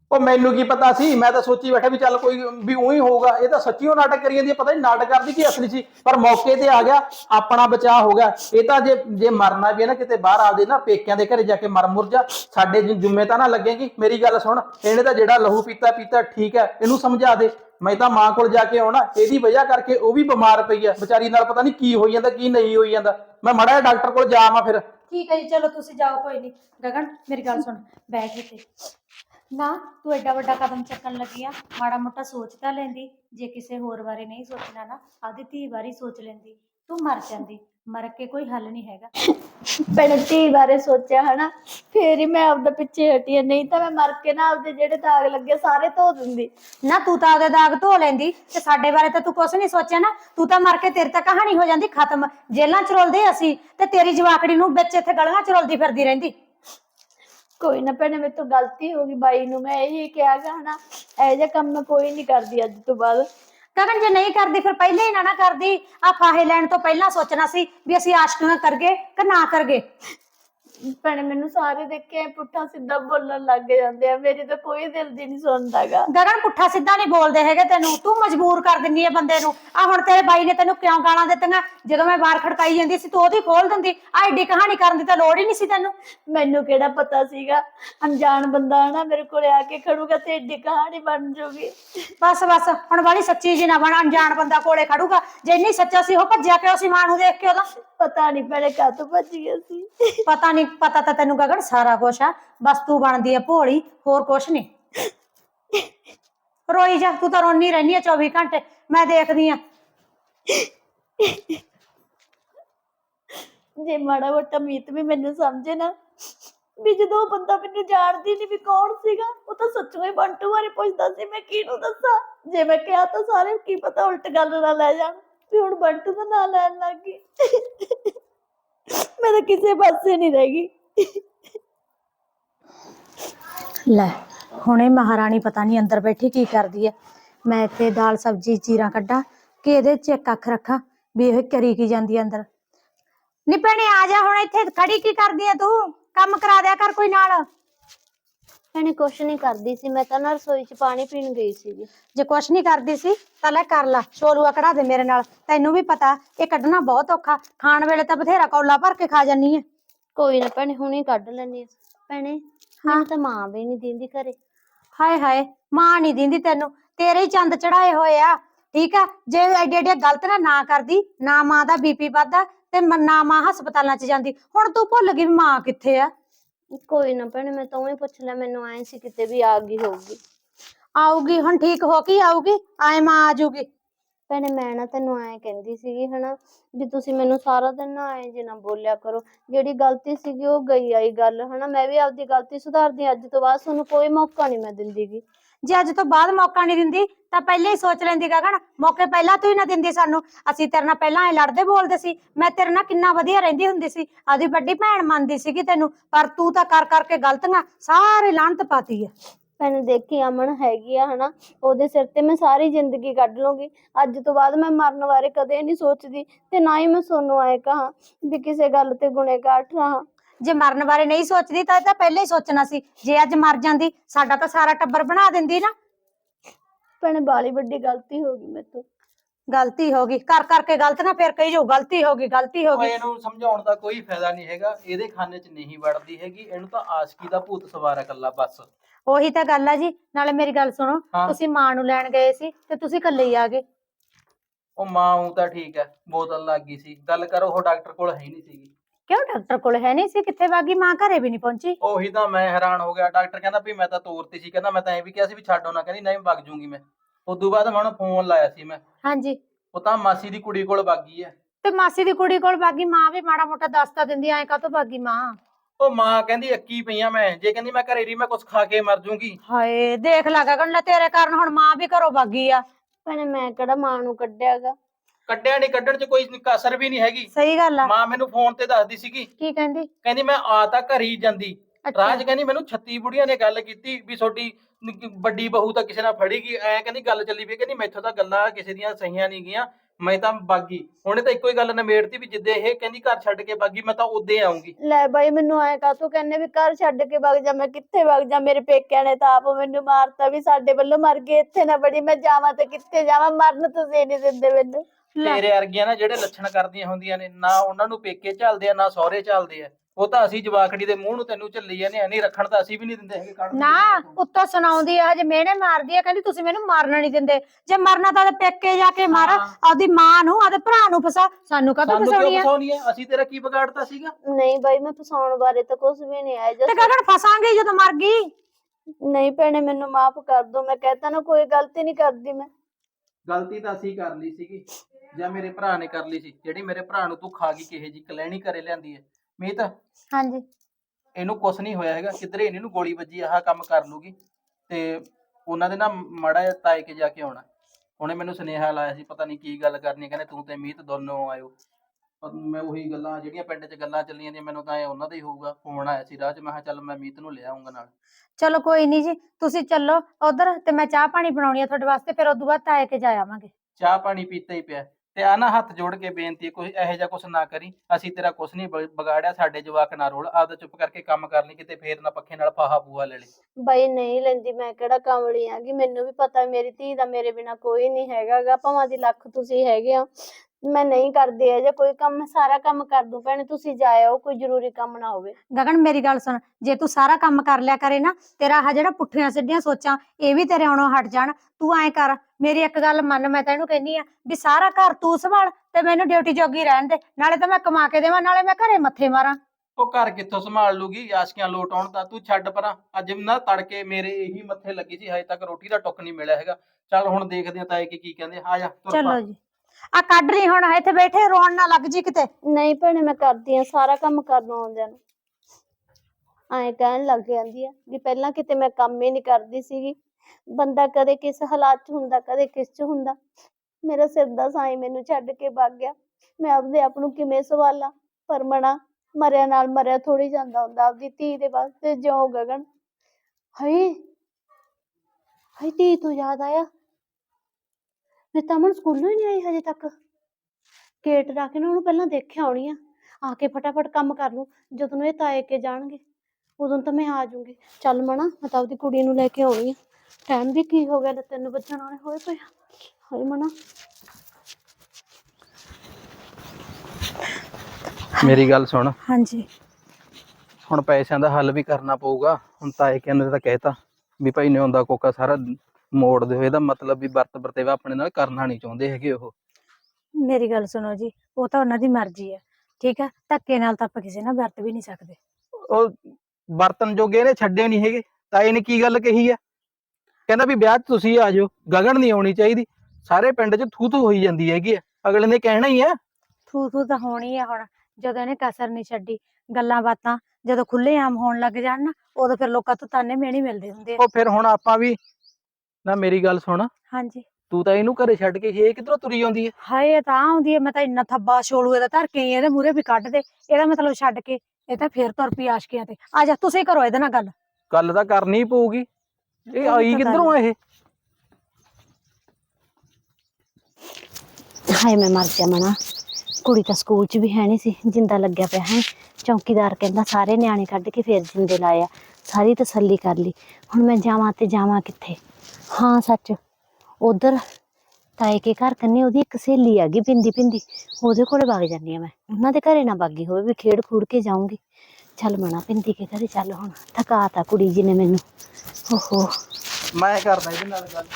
Speaker 3: ਉਹ ਮੈਨੂੰ ਕੀ ਪਤਾ ਸੀ, ਮੈਂ ਤਾਂ ਸੋਚੀ ਬੈਠਾ ਵੀ ਚੱਲ ਕੋਈ ਵੀ ਉਹੀ ਹੋਊਗਾ, ਇਹ ਤਾਂ ਸੱਚੀ ਉਹ ਨਾਟਕ ਕਰੀ ਜਾਂਦੀ ਹੈ, ਪਤਾ ਨਹੀਂ ਨਾਟਕ ਕਰਦੀ ਕੀ ਅਸਲੀ ਸੀ, ਪਰ ਮੌਕੇ ਤੇ ਆ ਗਿਆ, ਆਪਣਾ ਬਚਾਅ ਹੋ ਗਿਆ। ਇਹ ਤਾਂ ਜੇ ਜੇ ਮਰਨਾ ਵੀ ਹੈ ਨਾ ਕਿਤੇ ਬਾਹਰ ਆਪਦੇ ਨਾ ਪੇਕਿਆਂ ਦੇ ਘਰੇ ਜਾ ਕੇ ਮਰ ਮੁਰ ਜਾ, ਸਾਡੇ ਜੁੰਮੇ ਤਾਂ ਨਾ ਲੱਗੇਗੀ। ਮੇਰੀ ਗੱਲ ਸੁਣ, ਇਹਨੇ ਤਾਂ ਜਿਹੜਾ ਲਹੂ ਪੀਤਾ ਪੀਤਾ ਠੀਕ ਹੈ, ਇਹਨੂੰ ਸਮਝਾ ਦੇ। ਮੈਂ ਤਾਂ ਮਾਂ ਕੋਲ ਜਾ ਕੇ ਆਉਣਾ, ਇਹਦੀ ਵਜ੍ਹਾ ਕਰਕੇ ਉਹ ਵੀ ਬਿਮਾਰ ਪਈ ਹੈ ਵਿਚਾਰੀ, ਨਾਲ ਪਤਾ ਨਹੀਂ ਕੀ ਹੋਈ ਜਾਂਦਾ ਕੀ ਨਹੀਂ ਹੋਈ ਜਾਂਦਾ। ਮੈਂ ਮਾੜਾ ਜਿਹਾ ਡਾਕਟਰ ਕੋਲ ਜਾ ਆਵਾਂ ਫਿਰ।
Speaker 1: ਠੀਕ ਹੈ ਜੀ, ਚਲੋ ਤੁਸੀਂ ਜਾਓ, ਕੋਈ ਨਹੀਂ। ਗਗਨ ਮੇਰੀ ਗੱਲ ਸੁਣ, ਬੈਠ ਇੱਥੇ ਨਾ, ਤੂੰ ਐਡਾ ਵੱਡਾ ਕਦਮ ਚੱਕਣ ਲੱਗੀ ਆ, ਮਾੜਾ ਮੋਟਾ ਸੋਚ ਤਾਂ ਲੈਂਦੀ। ਜੇ ਕਿਸੇ ਹੋਰ ਬਾਰੇ ਨਹੀਂ ਸੋਚਣਾ ਨਾ, ਆਪਦੀ ਧੀ ਬਾਰੇ ਸੋਚ ਲੈਂਦੀ, ਤੂੰ ਮਰ ਜਾਂਦੀ। ਮਰ ਕੇ ਕੋਈ ਹੱਲ ਨਹੀਂ ਹੈਗਾ।
Speaker 2: ਭੈਣੇ ਧੀ ਬਾਰੇ ਸੋਚਿਆ ਹਨਾ, ਫੇਰ ਹੀ ਮੈਂ ਆਪਦਾ ਪਿੱਛੇ ਹਟੀ, ਨਹੀਂ ਤਾਂ ਮੈਂ ਮਰ ਕੇ ਨਾ ਆਪਦੇ ਜਿਹੜੇ ਦਾਗ ਲੱਗੇ ਸਾਰੇ ਧੋ ਦਿੰਦੀ।
Speaker 1: ਨਾ ਤੂੰ ਤਾਂ ਆਪਦੇ ਦਾਗ ਧੋ ਲੈਂਦੀ, ਤੇ ਸਾਡੇ ਬਾਰੇ ਤਾਂ ਤੂੰ ਕੁਛ ਨਹੀਂ ਸੋਚਿਆ ਨਾ। ਤੂੰ ਤਾਂ ਮਰ ਕੇ ਤੇਰੀ ਤਾਂ ਕਹਾਣੀ ਹੋ ਜਾਂਦੀ ਖਤਮ। ਜੇਲਾਂ ਚ ਰੁਲਦੇ ਅਸੀਂ, ਤੇ ਤੇਰੀ ਜਵਾਕੜੀ ਨੂੰ ਵਿੱਚ ਇੱਥੇ ਗਲੀਆਂ ਚ ਰੁਲਦੀ ਫਿਰਦੀ ਰਹਿੰਦੀ।
Speaker 2: ਕੋਈ ਨਾ ਭੈਣੇ, ਮੇਰੇ ਤੋਂ ਗਲਤੀ ਹੋ ਗਈ, ਬਾਈ ਨੂੰ ਮੈਂ ਇਹੀ ਕਿਹਾਗਾ ਹਨਾ, ਇਹੋ ਜਿਹਾ ਕੰਮ ਮੈਂ ਕੋਈ ਨਹੀਂ ਕਰਦੀ ਅੱਜ ਤੋਂ ਬਾਅਦ।
Speaker 1: ਗਗਨ ਜੇ ਨਹੀਂ ਕਰਦੀ ਫਿਰ ਪਹਿਲੇ ਹੀ ਨਾ ਨਾ ਕਰਦੀ। ਆ ਫਾਹੇ ਲੈਣ ਤੋਂ ਪਹਿਲਾਂ ਸੋਚਣਾ ਸੀ ਵੀ ਅਸੀਂ ਆਸ਼ਕੀਆਂ ਕਰਗੇ ਕਿ ਨਾ ਕਰਗੇ।
Speaker 2: ਭੈਣੇ ਮੈਨੂੰ ਸਾਰੇ ਦੇਖ ਕੇ ਪੁੱਠਾ ਸਿੱਧਾ ਬੋਲਣ ਲੱਗ ਜਾਂਦੇ ਆ, ਮੇਰੀ ਤਾਂ ਕੋਈ ਦਿਲ ਦੀ ਨਹੀਂ ਸੁਣਦਾਗਾ।
Speaker 1: ਗਗਨ ਪੁੱਠਾ ਸਿੱਧਾ ਨਹੀਂ ਬੋਲਦੇ ਹੈਗੇ ਤੈਨੂੰ, ਤੂੰ ਮਜਬੂਰ ਕਰ ਦਿੰਦੀ ਹੈ ਬੰਦੇ ਨੂੰ। ਆ ਹੁਣ ਤੇਰੇ ਬਾਈ ਨੇ ਤੈਨੂੰ ਕਿਉਂ ਗਾਲਾਂ ਦਿੱਤੀਆਂ? ਜਦੋਂ ਮੈਂ ਬਾਹਰ ਖੜਕਾਈ ਜਾਂਦੀ ਸੀ ਤੂੰ ਉਹਦੀ ਖੋਲ ਦਿੰਦੀ। ਆ ਏਡੀ ਕਹਾਣੀ ਕਰਨ ਦੀ ਤਾਂ ਲੋੜ ਹੀ ਨਹੀਂ ਸੀ ਤੈਨੂੰ।
Speaker 2: ਮੈਨੂੰ ਕਿਹੜਾ ਪਤਾ ਸੀਗਾ ਅਣਜਾਣ ਬੰਦਾ ਨਾ ਮੇਰੇ ਕੋਲੇ ਆ ਕੇ ਖੜੂਗਾ ਤੇ ਏਡੀ ਕਹਾਣੀ ਬਣ ਜਾਊਗੀ।
Speaker 1: ਬਸ ਬਸ ਹੁਣ ਵਾਲੀ ਸੱਚੀ ਜੀ ਨਾ ਬਣ, ਅਣਜਾਣ ਬੰਦਾ ਕੋਲੇ ਖੜੂਗਾ। ਜੇ ਇੰਨੀ ਸੱਚਾ ਸੀ ਉਹ ਭੱਜਿਆ ਕਿਉਂ ਸੀ ਮਾਂ ਨੂੰ ਦੇਖ ਕੇ? ਉਹਦਾ
Speaker 2: ਪਤਾ ਨਹੀਂ ਭੈਣੇ ਕਾਹਤੋਂ ਭੱਜ ਗਿਆ ਸੀ।
Speaker 1: ਪਤਾ ਨਹੀਂ, ਪਤਾ ਤਾਂ ਤੈਨੂੰ ਗਗਨ ਸਾਰਾ ਕੁਛ ਆ, ਬਸ ਤੂੰ ਬਣਦੀ ਆ ਭੋਲੀ, ਹੋਰ ਕੁਛ ਨਹੀਂ। ਰੋਈ ਜਾ, ਤੂੰ ਤਾਂ ਰੋਣੀ ਰਹਿਨੀ ਆ ਚੌਵੀ ਘੰਟੇ, ਮੈਂ ਦੇਖਦੀ ਆ।
Speaker 2: ਜੇ ਮਾੜਾ ਮੋਟਾ ਮੀਤ ਵੀ ਮੈਨੂੰ ਸਮਝੇ ਨਾ, ਵੀ ਜਦੋਂ ਉਹ ਬੰਦਾ ਮੈਨੂੰ ਜਾਣਦੀ ਨਹੀਂ ਵੀ ਕੌਣ ਸੀਗਾ, ਉਹ ਤਾਂ ਸੱਚੋਂ ਹੀ ਬੰਟੂ ਬਾਰੇ ਪੁੱਛਦਾ ਸੀ, ਮੈਂ ਕਿਹਨੂੰ ਦੱਸਾਂ? ਜੇ ਮੈਂ ਕਿਹਾ ਤਾਂ ਸਾਰੇ ਕੀ ਪਤਾ ਉਲਟ ਗੱਲ ਨਾ ਲੈ ਜਾਣ ਵੀ ਹੁਣ ਬੰਟੂ ਦਾ ਨਾਂ ਲੈਣ ਲੱਗ ਗਈ। ਮੈਂ ਤਾਂ ਕਿਸੇ ਪਾਸੇ ਨਹੀਂ ਰਹਿ ਗਈ।
Speaker 1: ਲੈ ਹੁਣੇ ਮਹਾਰਾਣੀ ਪਤਾ ਨਹੀਂ ਅੰਦਰ ਬੈਠੀ ਕੀ ਕਰਦੀ ਐ। ਮੈਂ ਇੱਥੇ ਦਾਲ ਸਬਜ਼ੀ ਚੀਰਾਂ ਕੱਢਾਂ ਕਿ ਇਹਦੇ ਚ ਇੱਕ ਅੱਖ ਰੱਖਾਂ ਵੀ ਇਹ ਕਰੀ ਕੀ ਜਾਂਦੀ ਅੰਦਰ। ਨੀ ਭੈਣੇ ਆ ਜਾ, ਹੁਣ ਇੱਥੇ ਖੜੀ ਕੀ ਕਰਦੀ ਐ ਤੂੰ? ਕੰਮ ਕਰਾ ਦਿਆ ਕਰ ਕੋਈ ਨਾਲ।
Speaker 2: ਭੈਣੇ ਕੁਛ ਨਹੀਂ ਕਰਦੀ ਸੀ, ਮੈਂ ਤਾਂ ਨਾ ਰਸੋਈ 'ਚ ਪਾਣੀ ਪੀਣ ਗਈ ਸੀਗੀ।
Speaker 1: ਜੇ ਕੁਛ ਨਹੀਂ ਕਰਦੀ ਸੀ ਤਾਂ ਲੈ ਕਰ ਲਾ, ਛੋਲੂਆ ਕਢਾ ਦੇ ਮੇਰੇ ਨਾਲ। ਤੈਨੂੰ ਵੀ ਪਤਾ ਇਹ ਕੱਢਣਾ ਬਹੁਤ ਔਖਾ, ਖਾਣ ਵੇਲੇ ਤਾਂ ਬਥੇਰਾ ਕੌਲਾ ਭਰ ਕੇ ਖਾ ਜਾਨੀ ਐ।
Speaker 2: ਕੋਈ ਨਾ ਭੈਣੇ ਹੁਣੇ ਕੱਢ ਲੈਣੀ ਆ। ਭੈਣੇ ਹਾਂ ਤਾਂ ਮਾਂ ਵੀ ਨਹੀਂ ਦਿੰਦੀ ਘਰੇ।
Speaker 1: ਹਾਏ ਹਾਏ, ਮਾਂ ਨਹੀਂ ਦਿੰਦੀ ਤੈਨੂੰ, ਤੇਰੇ ਹੀ ਚੰਦ ਚੜਾਏ ਹੋਏ ਆ। ਠੀਕ ਆ, ਜੇ ਐਡੇ ਐਡੇ ਗਲਤੀਆਂ ਨਾ ਕਰਦੀ, ਨਾ ਮਾਂ ਦਾ ਬੀਪੀ ਵੱਧਦਾ ਤੇ ਨਾ ਮਾਂ ਹਸਪਤਾਲਾਂ ਚ ਜਾਂਦੀ। ਹੁਣ ਤੂੰ ਭੁੱਲ ਗਈ ਮਾਂ ਕਿੱਥੇ ਆ?
Speaker 2: ਕੋਈ ਨਾ ਭੈਣੇ, ਮੈਂ ਤਾਂ ਉਹੀ ਪੁੱਛ ਲਿਆ, ਮੈਨੂੰ ਆਏ ਸੀ ਕਿਤੇ ਵੀ ਆ ਗਈ ਹੋਊਗੀ।
Speaker 1: ਆਊਗੀ ਹੁਣ, ਠੀਕ ਹੋ ਕੇ ਆਊਗੀ, ਆਏ ਮਾਂ ਆ ਜਾਊਗੀ।
Speaker 2: ਭੈਣੇ ਮੈਂ ਨਾ ਤੈਨੂੰ ਐਂ ਕਹਿੰਦੀ ਸੀਗੀ ਹਨਾ, ਵੀ ਤੁਸੀਂ ਮੈਨੂੰ ਸਾਰਾ ਦਿਨ ਨਾ ਐਂ ਜੇ ਨਾ ਬੋਲਿਆ ਕਰੋ। ਜਿਹੜੀ ਗਲਤੀ ਸੀਗੀ ਉਹ ਗਈ ਆਈ ਗੱਲ ਹਨਾ, ਮੈਂ ਵੀ ਆਪਦੀ ਗਲਤੀ ਸੁਧਾਰਦੀ। ਅੱਜ ਤੋਂ ਬਾਅਦ ਤੁਹਾਨੂੰ ਕੋਈ ਮੌਕਾ ਨਹੀਂ ਮੈਂ ਦਿੰਦੀਗੀ।
Speaker 1: ਜੇ ਅੱਜ ਤੋਂ ਬਾਅਦ ਮੌਕਾ ਨਹੀਂ ਦਿੰਦੀ ਤਾਂ ਪਹਿਲਾਂ ਹੀ ਸੋਚ ਲੈਂਦੀ ਗਗਨ, ਮੌਕੇ ਪਹਿਲਾਂ ਤੂੰ ਹੀ ਨਾ ਦਿੰਦੀ ਸਾਨੂੰ। ਅਸੀਂ ਤੇਰੇ ਨਾਲ ਪਹਿਲਾਂ ਐ ਲੜਦੇ ਬੋਲਦੇ ਸੀ, ਮੈਂ ਤੇਰੇ ਨਾਲ ਕਿੰਨਾ ਵਧੀਆ ਰਹਿੰਦੀ ਹੁੰਦੀ ਸੀ, ਆਦੀ ਵੱਡੀ ਭੈਣ ਮੰਨਦੀ ਸੀਗੀ ਤੈਨੂੰ। ਪਰ ਤੂੰ ਤਾਂ ਕਰ ਕਰਕੇ ਗਲਤੀਆਂ ਸਾਰੇ ਲਾਹਨਤ ਪਾਤੀ ਆ।
Speaker 2: ਭੈਣੇ ਦੇਖੀ ਅਮਨ ਹੈਗੀ ਆ ਹਨਾ, ਉਹਦੇ ਸਿਰ ਤੇ ਮੈਂ ਸਾਰੀ ਜ਼ਿੰਦਗੀ ਕੱਢ ਲੂੰਗੀ। ਅੱਜ ਤੋਂ ਬਾਅਦ ਮੈਂ ਮਰਨ ਬਾਰੇ ਕਦੇ ਨਹੀਂ ਸੋਚਦੀ, ਤੇ ਨਾ ਹੀ ਮੈਂ ਸੋਨੂੰ ਆਏ ਕਹਾਂ ਵੀ ਕਿਸੇ ਗੱਲ ਤੇ ਗੁਨੇਗਾਰ ਠਾਹਾਂ।
Speaker 1: ਜੇ ਮਰਨ ਬਾਰੇ ਨਹੀਂ ਸੋਚਦੀ ਤਾਂ ਇਹ ਤਾਂ ਪਹਿਲਾਂ ਹੀ ਸੋਚਣਾ ਸੀ। ਜੇ ਅੱਜ ਮਰ ਜਾਂਦੀ ਸਾਡਾ ਤਾਂ ਸਾਰਾ ਟੱਬਰ ਬਣਾ ਦਿੰਦੀ ਨਾ।
Speaker 2: ਭੈਣੇ ਬਾਲੀ ਵੱਡੀ ਗਲਤੀ ਹੋ ਗਈ ਮੇਰੇ ਤੋਂ।
Speaker 1: ਗਲਤੀ ਹੋ ਗਈ, ਕਰ ਕਰਕੇ ਗਲਤ ਨਾ ਫਿਰ ਕਹੀ ਜਾਓ ਗਲਤੀ ਹੋ ਗਈ ਗਲਤੀ ਹੋ ਗਈ।
Speaker 3: ਇਹਨੂੰ ਸਮਝਾਉਣ ਦਾ ਕੋਈ ਫਾਇਦਾ ਨਹੀਂ ਹੈਗਾ, ਇਹਦੇ ਖਾਨੇ 'ਚ ਨਹੀਂ ਵੜਦੀ ਹੈਗੀ, ਇਹਨੂੰ ਤਾਂ ਆਸ਼ਕੀ ਦਾ ਭੂਤ ਸਵਾਰ ਇਕੱਲਾ ਬਸ।
Speaker 1: ਉਹੀ ਤਾਂ ਗੱਲ ਆ ਜੀ। ਨਾਲੇ ਮੇਰੀ ਗੱਲ ਸੁਣੋ, ਤੁਸੀਂ ਮਾਂ ਨੂੰ ਲੈਣ ਗਏ ਸੀ ਤੇ ਤੁਸੀਂ ਇਕੱਲੇ ਹੀ ਆ ਗਏ।
Speaker 3: ਉਹ ਮਾਂ ਉਹ ਤਾਂ ਠੀਕ ਹੈ, ਬੋਤਲ ਲੱਗ ਗਈ ਸੀ, ਗੱਲ ਕਰੋ ਉਹ ਡਾਕਟਰ ਕੋਲ ਹੈ ਨਹੀਂ ਸੀਗੀ।
Speaker 1: ਕਿਉਂ ਡਾਕਟਰ ਕੋਲ ਹੈ ਨਹੀਂ ਸੀ? ਕਿੱਥੇ ਵਾਗੀ ਮਾਂ? ਘਰੇ ਵੀ ਨਹੀਂ ਪਹੁੰਚੀ।
Speaker 3: ਉਹੀ ਤਾਂ ਮੈਂ ਹੈਰਾਨ ਹੋ ਗਿਆ। ਡਾਕਟਰ ਕਹਿੰਦਾ ਵੀ ਮੈਂ ਤਾਂ ਤੋਰਤੀ ਸੀ, ਕਹਿੰਦਾ ਮੈਂ ਤਾਂ ਐ ਵੀ ਕਿਹਾ ਸੀ ਵੀ ਛੱਡੋ ਨਾ, ਕਹਿੰਦੀ ਨਹੀਂ ਵਗ ਜੂਗੀ ਮੈਂ। ਉਦੋਂ ਬਾਅਦ ਮੈਂ ਉਹਨੂੰ ਫੋਨ ਲਾਇਆ ਸੀ ਮੈਂ,
Speaker 1: ਹਾਂਜੀ,
Speaker 3: ਉਹ ਤਾਂ ਮਾਸੀ ਦੀ ਕੁੜੀ ਕੋਲ ਵਗ ਗਈ ਹੈ।
Speaker 1: ਤੇ ਮਾਸੀ ਦੀ ਕੁੜੀ ਕੋਲ ਬਾਗੀ ਮਾਂ ਵੀ ਮਾੜਾ ਮੋਟਾ ਦੱਸਤਾ ਦਿੰਦੀ, ਐਂ ਕਾਹਤੋਂ ਬਾਗੀ ਮਾਂ?
Speaker 3: ਉਹ ਮਾਂ ਕਹਿੰਦੀ ਅੱਕੀ ਪਈਆਂ ਮੈਂ, ਜੇ ਕਹਿੰਦੀ ਮੈਂ ਘਰੇ ਰਹੀ ਮੈਂ ਕੁਛ ਖਾ ਕੇ ਮਰ ਜੂਗੀ।
Speaker 1: ਹਾਏ ਦੇਖ ਲੱਗਾ ਗੰਨਾ, ਤੇਰੇ ਕਾਰਨ ਹੁਣ ਮਾਂ ਵੀ ਘਰੋਂ ਬਾਗੀ ਆ।
Speaker 2: ਭੈਣੇ ਮੈਂ ਕਿਹੜਾ ਮਾਂ ਨੂੰ ਕੱਢਿਆਗਾ?
Speaker 3: ਕੱਢਿਆ ਨਹੀਂ, ਕੱਢਣ 'ਚ ਕੋਈ ਕਸਰ ਵੀ ਨਹੀਂ ਹੈਗੀ।
Speaker 1: ਸਹੀ ਗੱਲ ਆ।
Speaker 3: ਮਾਂ ਮੈਨੂੰ ਫੋਨ ਤੇ ਦੱਸਦੀ ਸੀਗੀ,
Speaker 1: ਕੀ ਕਹਿੰਦੀ?
Speaker 3: ਕਹਿੰਦੀ ਮੈਂ ਆ ਤਾਂ ਘਰ ਹੀ ਜਾਂਦੀ, ਰਾਜ ਕਹਿੰਦੀ ਮੈਨੂੰ ਛੱਤੀ ਬੁੜੀਆਂ ਨੇ ਗੱਲ ਕੀਤੀ ਵੀ ਤੁਹਾਡੀ ਨਿੱਕੀ- ਵੱਡੀ ਬਹੂ ਤਾਂ ਕਿਸੇ ਨਾਲ ਫੜੀ ਗਈ, ਐ ਕਹਿੰਦੀ ਗੱਲ ਚੱਲੀ ਵੀ ਕਹਿੰਦੀ ਮੈਥੋਂ ਤਾਂ ਗੱਲਾਂ ਕਿਸੇ ਦੀਆਂ ਸਹੀਆਂ ਨਹੀਂ ਗਈਆਂ, ਮੈਂ ਤਾਂ ਬਾਗੀ। ਉਹਨੇ ਤਾਂ ਇੱਕੋ ਹੀ ਗੱਲ ਨਿਮੇੜਤੀ ਵੀ ਜਿੱਦੇ ਇਹ ਕਹਿੰਦੀ ਘਰ ਛੱਡ ਕੇ ਬਾਗੀ ਮੈਂ ਤਾਂ ਉਦੇ ਆਉਂਗੀ।
Speaker 2: ਲੈ ਬਾਈ ਮੈਨੂੰ ਐ ਕਾਹਤੋਂ ਕਹਿੰਦੇ ਵੀ ਘਰ ਛੱਡ ਕੇ ਵਗ ਜਾ, ਮੈਂ ਕਿੱਥੇ ਵਗ ਜਾ? ਮੇਰੇ ਪੇਕਿਆਂ ਨੇ ਤਾਂ ਆਪ ਮੈਨੂੰ ਮਾਰਤਾ ਵੀ ਸਾਡੇ ਵੱਲੋਂ ਮਰ ਗਏ, ਇੱਥੇ ਨਾ ਬੜੀ, ਮੈਂ ਜਾਵਾਂ ਤੇ ਕਿੱਥੇ ਜਾਵਾਂ? ਮਰਨ ਤੁਸੀਂ ਨਹੀਂ ਦਿੰਦੇ ਮੈਨੂੰ।
Speaker 3: ਤੇਰੇ ਵਰਗੀਆਂ ਨਾ ਜਿਹੜੇ ਲੱਛਣ ਕਰਦੀਆਂ ਹੁੰਦੀਆਂ ਨੇ, ਨਾ ਉਹਨਾਂ ਨੂੰ ਪੇਕੇ ਝੱਲਦੇ ਆ ਨਾ ਸਹੁਰੇ ਝੱਲਦੇ ਆ। ਉਹ ਤਾਂ ਅਸੀਂ ਜਵਾਕੜੀ ਦੇ ਮੂੰਹ ਨੂੰ ਤੈਨੂੰ ਝੱਲੀ ਜਾਂਦੇ ਆ, ਨਹੀਂ ਰੱਖਣ ਤਾਂ ਅਸੀਂ ਵੀ ਨਹੀਂ ਦਿੰਦੇ ਹੈਗੇ। ਕੱਢ
Speaker 1: ਨਾ ਉੱਤੋਂ ਸੁਣਾਉਂਦੀ ਆ, ਹਜੇ ਮਿਹਣੇ ਮਾਰਦੀ ਆ, ਕਹਿੰਦੀ ਤੁਸੀਂ ਮੈਨੂੰ ਮਾਰਨਾ ਨਹੀਂ ਦਿੰਦੇ। ਜੇ ਮਰਨਾ ਤਾਂ ਉਹਦੇ ਪੇਕੇ ਜਾ ਕੇ ਮਾਰ,
Speaker 3: ਹਾਂ।
Speaker 1: ਆਪਦੀ ਮਾਂ ਨੂੰ ਆਪਦੇ ਭਰਾ ਨੂੰ ਫਸਾ, ਸਾਨੂੰ ਕਾਹਤੋਂ
Speaker 3: ਸਾਨੂੰ ਕਿਉਂ
Speaker 1: ਫਸਾਉਣੀ ਆ?
Speaker 3: ਫਸਾਉਣੀ ਆ? ਅਸੀਂ ਤੇਰਾ ਕੀ ਵਿਗਾੜਤਾ ਸੀਗਾ?
Speaker 2: ਨਹੀਂ ਬਾਈ ਮੈਂ ਫਸਾਉਣ ਬਾਰੇ ਤਾਂ ਕੁਝ ਵੀ ਨਹੀਂ ਆਇਆ।
Speaker 1: ਤੇ ਗਗਨ ਫਸਾਂਗੇ ਜਦੋਂ ਮਰ ਗਈ।
Speaker 2: ਨਹੀਂ ਭੈਣੇ ਮੈਨੂੰ ਮਾਫ ਕਰ ਦੋ, ਮੈਂ ਕਹਤਾ ਨਾ ਕੋਈ ਗਲਤੀ ਨਹੀਂ ਕਰਦੀ ਮੈਂ।
Speaker 3: ਗਲਤੀ ਤਾਂ ਅਸੀਂ ਕਰ ਲਈ ਸੀਗੀ ਜਾਂ ਮੇਰੇ ਭਰਾ ਨੇ ਕਰ ਲਈ ਸੀ, ਜਿਹੜੀ ਮੇਰੇ ਭਰਾ ਨੂੰ ਤੂੰ ਖਾ ਗਈ ਕਿਹੇ ਜੀ ਕਲੈਣੀ ਘਰੇ ਲਿਆਂਦੀ ਹੈ। ਮੀਤ
Speaker 1: ਹਾਂਜੀ
Speaker 3: ਇਹਨੂੰ ਕੁਛ ਨਹੀਂ ਹੋਇਆ ਹੈਗਾ, ਕਿਧਰੇ ਇਹਨੂੰ ਗੋਲੀ ਵੱਜੀ, ਆਹ ਕੰਮ ਕਰ ਲੂਗੀ। ਤੇ ਉਹਨਾਂ ਦੇ ਨਾ ਮਾੜਾ ਜਿਹਾ ਤਾਏ ਕੇ ਜਾ ਕੇ ਆਉਣਾ। ਉਹਨੇ ਮੈਨੂੰ ਸੁਨੇਹਾ ਲਾਇਆ ਸੀ, ਪਤਾ ਨਹੀਂ ਕੀ ਗੱਲ ਕਰਨੀ, ਕਹਿੰਦੇ ਤੂੰ ਤੇ ਮੀਤ ਦੋਨੋਂ ਆਇਓ। ਪਰ ਮੈਂ ਉਹੀ ਗੱਲਾਂ ਜਿਹੜੀਆਂ ਪਿੰਡ 'ਚ ਗੱਲਾਂ ਚੱਲੀਆਂ ਦੀਆਂ, ਮੈਨੂੰ ਤਾਂ ਇਹ ਉਹਨਾਂ ਦਾ ਹੀ ਹੋਊਗਾ। ਫੋਨ ਆਇਆ ਸੀ ਰਾਹ 'ਚ, ਮੈਂ ਕਿਹਾ ਚੱਲ ਮੈਂ ਮੀਤ ਨੂੰ ਲੈ ਆਉਂਗਾ ਨਾਲ।
Speaker 1: ਚਲੋ ਕੋਈ ਨਹੀਂ ਜੀ, ਤੁਸੀਂ ਚੱਲੋ ਉਧਰ ਤੇ ਮੈਂ ਚਾਹ ਪਾਣੀ ਬਣਾਉਣੀ ਆ ਤੁਹਾਡੇ ਵਾਸਤੇ, ਫਿਰ ਉਦੋਂ ਬਾਅਦ ਤਾਏ ਕੇ ਜਾ ਆਵਾਂਗੇ।
Speaker 3: ਚਾਹ ਪਾਣੀ ਪੀਤਾ ਹੀ ਪਿਆ। ਤੇ ਆ ਨਾ ਹੱਥ ਜੋੜ ਕੇ ਬੇਨਤੀ, ਕੋਈ ਇਹੋ ਜਿਹਾ ਕੁਛ ਨਾ ਕਰੀ। ਅਸੀਂ ਤੇਰਾ ਕੁਛ ਨਹੀਂ ਵਿਗਾੜਿਆ, ਸਾਡੇ ਜਵਾਕ ਨਾ ਰੋਲ, ਆਪਦਾ ਚੁੱਪ ਕਰਕੇ ਕੰਮ ਕਰ ਲਈ, ਕਿਤੇ ਫੇਰ ਨਾ ਪੱਖੇ ਨਾਲ ਫਾਹਾ ਪੂਹਾ ਲੈ ਲਈ।
Speaker 2: ਬਾਈ ਨਹੀਂ ਲੈਂਦੀ, ਮੈਂ ਕਿਹੜਾ ਕਾਮਲੀ ਆਂਗੀ, ਮੈਨੂੰ ਵੀ ਪਤਾ ਮੇਰੀ ਧੀ ਦਾ ਮੇਰੇ ਬਿਨਾ ਕੋਈ ਨਹੀਂ ਹੈਗਾਗਾ। ਭਾਵੇਂ ਦੀ ਲੱਖ ਤੁਸੀਂ ਹੈਗੇ ਆ, ਮੈਂ ਨਹੀਂ ਕਰਦੀ ਹੈ ਜੇ ਕੋਈ ਕੰਮ, ਮੈਂ ਸਾਰਾ ਕੰਮ ਕਰ ਦੂੰ ਭੈਣੇ, ਤੁਸੀਂ ਜਾਇਓ, ਕੋਈ ਜ਼ਰੂਰੀ ਕੰਮ ਨਾ ਹੋਵੇ।
Speaker 1: ਗਗਨ ਮੇਰੀ ਗੱਲ ਸੁਣ, ਜੇ ਤੂੰ ਸਾਰਾ ਕੰਮ ਕਰ ਲਿਆ ਕਰੇ ਨਾ, ਤੇਰਾ ਆਹ ਜਿਹੜਾ ਪੁੱਠੀਆਂ ਸਿੱਧੀਆਂ ਸੋਚਾਂ ਇਹ ਵੀ ਤੇਰੇ ਆਉਣੋਂ ਹਟ ਜਾਣ। ਤੂੰ ਐਂ ਕਰ, ਮੇਰੀ ਇੱਕ ਗੱਲ ਮੰਨ, ਮੈਂ ਤੈਨੂੰ ਕਹਿੰਦੀ ਆ ਵੀ ਸਾਰਾ ਘਰ ਤੂੰ ਸੰਭਾਲ ਤੇ ਮੈਨੂੰ ਡਿਊਟੀ ਜੋਗੀ ਰਹਿਣ ਦੇ, ਨਾਲੇ ਤਾਂ ਮੈਂ ਕਮਾ ਕੇ ਦੇਵਾਂ, ਨਾਲੇ ਮੈਂ ਘਰੇ ਮੱਥੇ ਮਾਰਾਂ।
Speaker 3: ਉਹ ਘਰ ਕਿੱਥੋਂ ਸੰਭਾਲ ਲੂਗੀ ਆਸ਼ਕੀਆਂ ਲੋਟ ਆਉਣ ਦਾ? ਤੂੰ ਛੱਡ ਪਰਾਂ। ਅੱਜ ਨਾ ਤੜਕੇ ਮੇਰੇ ਇਹੀ ਮੱਥੇ ਲੱਗੀ ਸੀ, ਹਜੇ ਤੱਕ ਰੋਟੀ ਦਾ ਟੁੱਕ ਨਹੀਂ ਮਿਲਿਆ ਹੈਗਾ। ਚੱਲ ਹੁਣ ਦੇਖਦੇ ਆ ਤਾਏ ਕੀ ਕੀ ਕਹਿੰਦੇ। ਆ ਜਾ ਤੁਰ ਪਾ।
Speaker 1: ਚਲੋ ਜੀ, ਆ ਕੱਢ ਲਈ ਹੁਣ, ਇੱਥੇ ਬੈਠੇ ਰੋਣ ਨਾ ਲੱਗ ਜੀ ਕਿਤੇ।
Speaker 2: ਨਹੀਂ ਭੈਣੇ ਮੈਂ ਕਰਦੀ ਆ ਸਾਰਾ ਕੰਮ ਕਰਨ ਆਉਂਦਿਆਂ ਨੂੰ। ਐਂ ਕਹਿਣ ਲੱਗ ਜਾਂਦੀ ਆ ਵੀ ਪਹਿਲਾਂ ਕਿਤੇ ਮੈਂ ਕੰਮ ਹੀ ਨਹੀਂ ਕਰਦੀ ਸੀਗੀ। ਬੰਦਾ ਕਦੇ ਕਿਸ ਹਾਲਾਤ 'ਚ ਹੁੰਦਾ, ਕਦੇ ਕਿਸ 'ਚ ਹੁੰਦਾ। ਮੇਰਾ ਸਿਰ ਦਾ ਸਾਈਂ ਮੈਨੂੰ ਛੱਡ ਕੇ ਭੱਗ ਗਿਆ, ਮੈਂ ਆਪਦੇ ਆਪ ਨੂੰ ਕਿਵੇਂ ਸੰਭਾਲਾਂ? ਪਰ ਮਣਾ ਮਰਿਆ ਨਾਲ ਮਰਿਆ ਥੋੜੀ ਜਾਂਦਾ ਹੁੰਦਾ, ਆਪਦੀ ਧੀ ਦੇ ਵਾਸਤੇ ਜਿਉਂ ਗਗਨ। ਹਾਏ ਹਾਏ ਧੀ ਤੋਂ ਯਾਦ ਆਇਆ, ਮੈਂ ਤਾਂ ਅਮਨ ਸਕੂਲੋਂ ਹੀ ਨਹੀਂ ਆਈ ਹਜੇ ਤੱਕ। ਗੇਟ ਰੱਖ ਕੇ ਨਾ ਉਹਨੂੰ ਪਹਿਲਾਂ ਦੇਖਿਆ ਆਉਣੀ ਆ, ਆ ਕੇ ਫਟਾਫਟ ਕੰਮ ਕਰ ਲੂੰ। ਜਦੋਂ ਇਹ ਤਾਏ ਕੇ ਜਾਣਗੇ ਉਦੋਂ ਤਾਂ ਮੈਂ ਆ ਜਾਊਂਗੀ। ਚੱਲ ਮਣਾ ਮੈਂ ਤਾਂ ਆਪਦੀ ਕੁੜੀ ਨੂੰ ਲੈ ਕੇ ਆਉਣੀ ਆ। ਟਾਈਮ ਵੀ ਕੀ ਹੋ ਗਿਆ, ਲੈ ਤੈਨੂੰ ਬੱਚਣ ਵਾਲੇ ਹੋਏ ਪਏ ਆ। ਹਾਏ ਮਣਾ
Speaker 3: ਮੇਰੀ ਗੱਲ ਸੁਣ,
Speaker 1: ਹਾਂਜੀ
Speaker 3: ਹੁਣ ਪੈਸਿਆਂ ਦਾ ਹੱਲ ਵੀ ਕਰਨਾ ਪਊਗਾ। ਹੁਣ ਤਾਏ ਕਹਿੰਦੇ ਤਾਂ ਕਹਿਤਾ ਵੀ ਭਾਈ ਨੇ ਹੁੰਦਾ ਕੋਕਾ ਸਾਰਾ ਮੋੜ ਦਿਓ, ਇਹਦਾ ਮਤਲਬ ਵੀ ਵਰਤ ਵਰਤੇਵਾ ਆਪਣੇ ਨਾਲ ਕਰਨਾ ਨਹੀਂ ਚਾਹੁੰਦੇ ਹੈਗੇ ਉਹ।
Speaker 1: ਮੇਰੀ ਗੱਲ ਸੁਣੋ ਜੀ, ਉਹ ਤਾਂ ਉਹਨਾਂ ਦੀ ਮਰਜ਼ੀ ਹੈ, ਠੀਕ ਹੈ। ਧੱਕੇ ਨਾਲ ਤਾਂ ਆਪਾਂ ਕਿਸੇ ਨਾਲ ਵਰਤ ਵੀ ਨਹੀਂ ਸਕਦੇ।
Speaker 3: ਉਹ ਬਰਤਨ ਜੋਗੇ ਨੇ ਛੱਡੇ ਨਹੀਂ ਹੈਗੇ। ਤਾਏ ਨੇ ਕੀ ਗੱਲ ਕਹੀ ਆ? ਕਹਿੰਦਾ ਵੀ ਵਿਆਹ 'ਚ ਤੁਸੀਂ ਆ ਜਾਓ, ਗਗਨ ਨਹੀਂ ਆਉਣੀ ਚਾਹੀਦੀ। ਸਾਰੇ ਪਿੰਡ 'ਚ ਥੂ ਥੂ ਹੋਈ ਜਾਂਦੀ ਹੈਗੀ ਆ, ਅਗਲੇ ਨੇ ਕਹਿਣਾ ਹੀ ਆ।
Speaker 1: ਥੂ ਥੂ ਤਾਂ ਹੋਣੀ ਆ ਹੁਣ, ਜਦੋਂ ਇਹਨੇ ਕਸਰ ਨਹੀਂ ਛੱਡੀ। ਗੱਲਾਂ ਬਾਤਾਂ ਜਦੋਂ ਖੁੱਲੇ ਆਮ ਹੋਣ ਲੱਗ ਜਾਣ ਨਾ, ਉਦੋਂ ਫਿਰ ਲੋਕਾਂ ਤੋਂ ਤਾਨੇ ਮਿਹਣੇ ਮਿਲਦੇ ਹੁੰਦੇ ਆ।
Speaker 3: ਉਹ ਫਿਰ ਹੁਣ ਆਪਾਂ ਵੀ ਨਾ, ਮੇਰੀ ਗੱਲ ਸੁਣ,
Speaker 1: ਹਾਂਜੀ
Speaker 3: ਤੂੰ ਤਾਂ ਇਹਨੂੰ ਘਰੇ ਛੱਡ ਕੇ ਇਹ ਕਿੱਧਰੋਂ ਤੁਰੀ ਆਉਂਦੀ ਹੈ?
Speaker 1: ਹਾਏ ਇਹ ਤਾਂ ਆਉਂਦੀ ਹੈ, ਮੈਂ ਤਾਂ ਇੰਨਾ ਥੱਬਾ ਛੋਲੂ ਇਹਦਾ ਧਰ ਕੇ ਆਈ, ਇਹਦੇ ਮੂਹਰੇ ਵੀ ਕੱਢ ਦੇ, ਇਹਦਾ ਮਤਲਬ ਛੱਡ ਕੇ ਇਹ ਤਾਂ ਫੇਰ ਤੁਰ ਪਈ ਆਸ਼ਕੀਆਂ ਤੇ। ਆ ਜਾ ਤੁਸੀਂ ਕਰੋ ਇਹਦੇ ਨਾਲ ਗੱਲ।
Speaker 3: ਗੱਲ ਤਾਂ ਕਰਨੀ ਪਊਗੀ, ਇਹ ਆਈ ਕਿੱਧਰੋਂ ਆ ਇਹ?
Speaker 2: ਹਾਏ ਮੈਂ ਮਰ ਜਾ ਮਣਾ, ਕੁੜੀ ਤਾਂ ਸਕੂਲ 'ਚ ਵੀ ਹੈ ਨਹੀਂ ਸੀ, ਜਿੰਦਾ ਲੱਗਿਆ ਪਿਆ ਹੈ। ਚੌਂਕੀਦਾਰ ਕਹਿੰਦਾ ਸਾਰੇ ਨਿਆਣੇ ਕੱਢ ਕੇ ਫੇਰ ਜਿੰਦੇ ਲਾਇਆ, ਸਾਰੀ ਤਸੱਲੀ ਕਰ ਲਈ। ਹੁਣ ਮੈਂ ਜਾਵਾਂ ਤੇ ਜਾਵਾਂ ਕਿੱਥੇ? ਹਾਂ ਸੱਚ, ਉਧਰ ਤਾਏ ਕੇ ਘਰ ਕੰਨੀ ਉਹਦੀ ਇੱਕ ਸਹੇਲੀ ਆ ਗਈ ਪਿੰਦੀ ਪਿੰਦੀ, ਉਹਦੇ ਕੋਲੇ ਵਗ ਜਾਂਦੀ ਆ ਮੈਂ। ਉਹਨਾਂ ਦੇ ਘਰੇ ਨਾ ਬਾਗੀ ਹੋਵੇ ਵੀ ਖੇਡ ਖੂਡ ਕੇ ਜਾਊਂਗੀ। ਚੱਲ ਮਣਾ ਪਿੰਦੀ ਕੇ ਘਰੇ ਚੱਲ, ਹੁਣ ਥਕਾਤਾ ਕੁੜੀ ਜੀ ਨੇ ਮੈਨੂੰ। ਓਹੋ
Speaker 3: ਮੈਂ ਕਰਦਾ ਇਹਦੇ ਨਾਲ ਗੱਲ।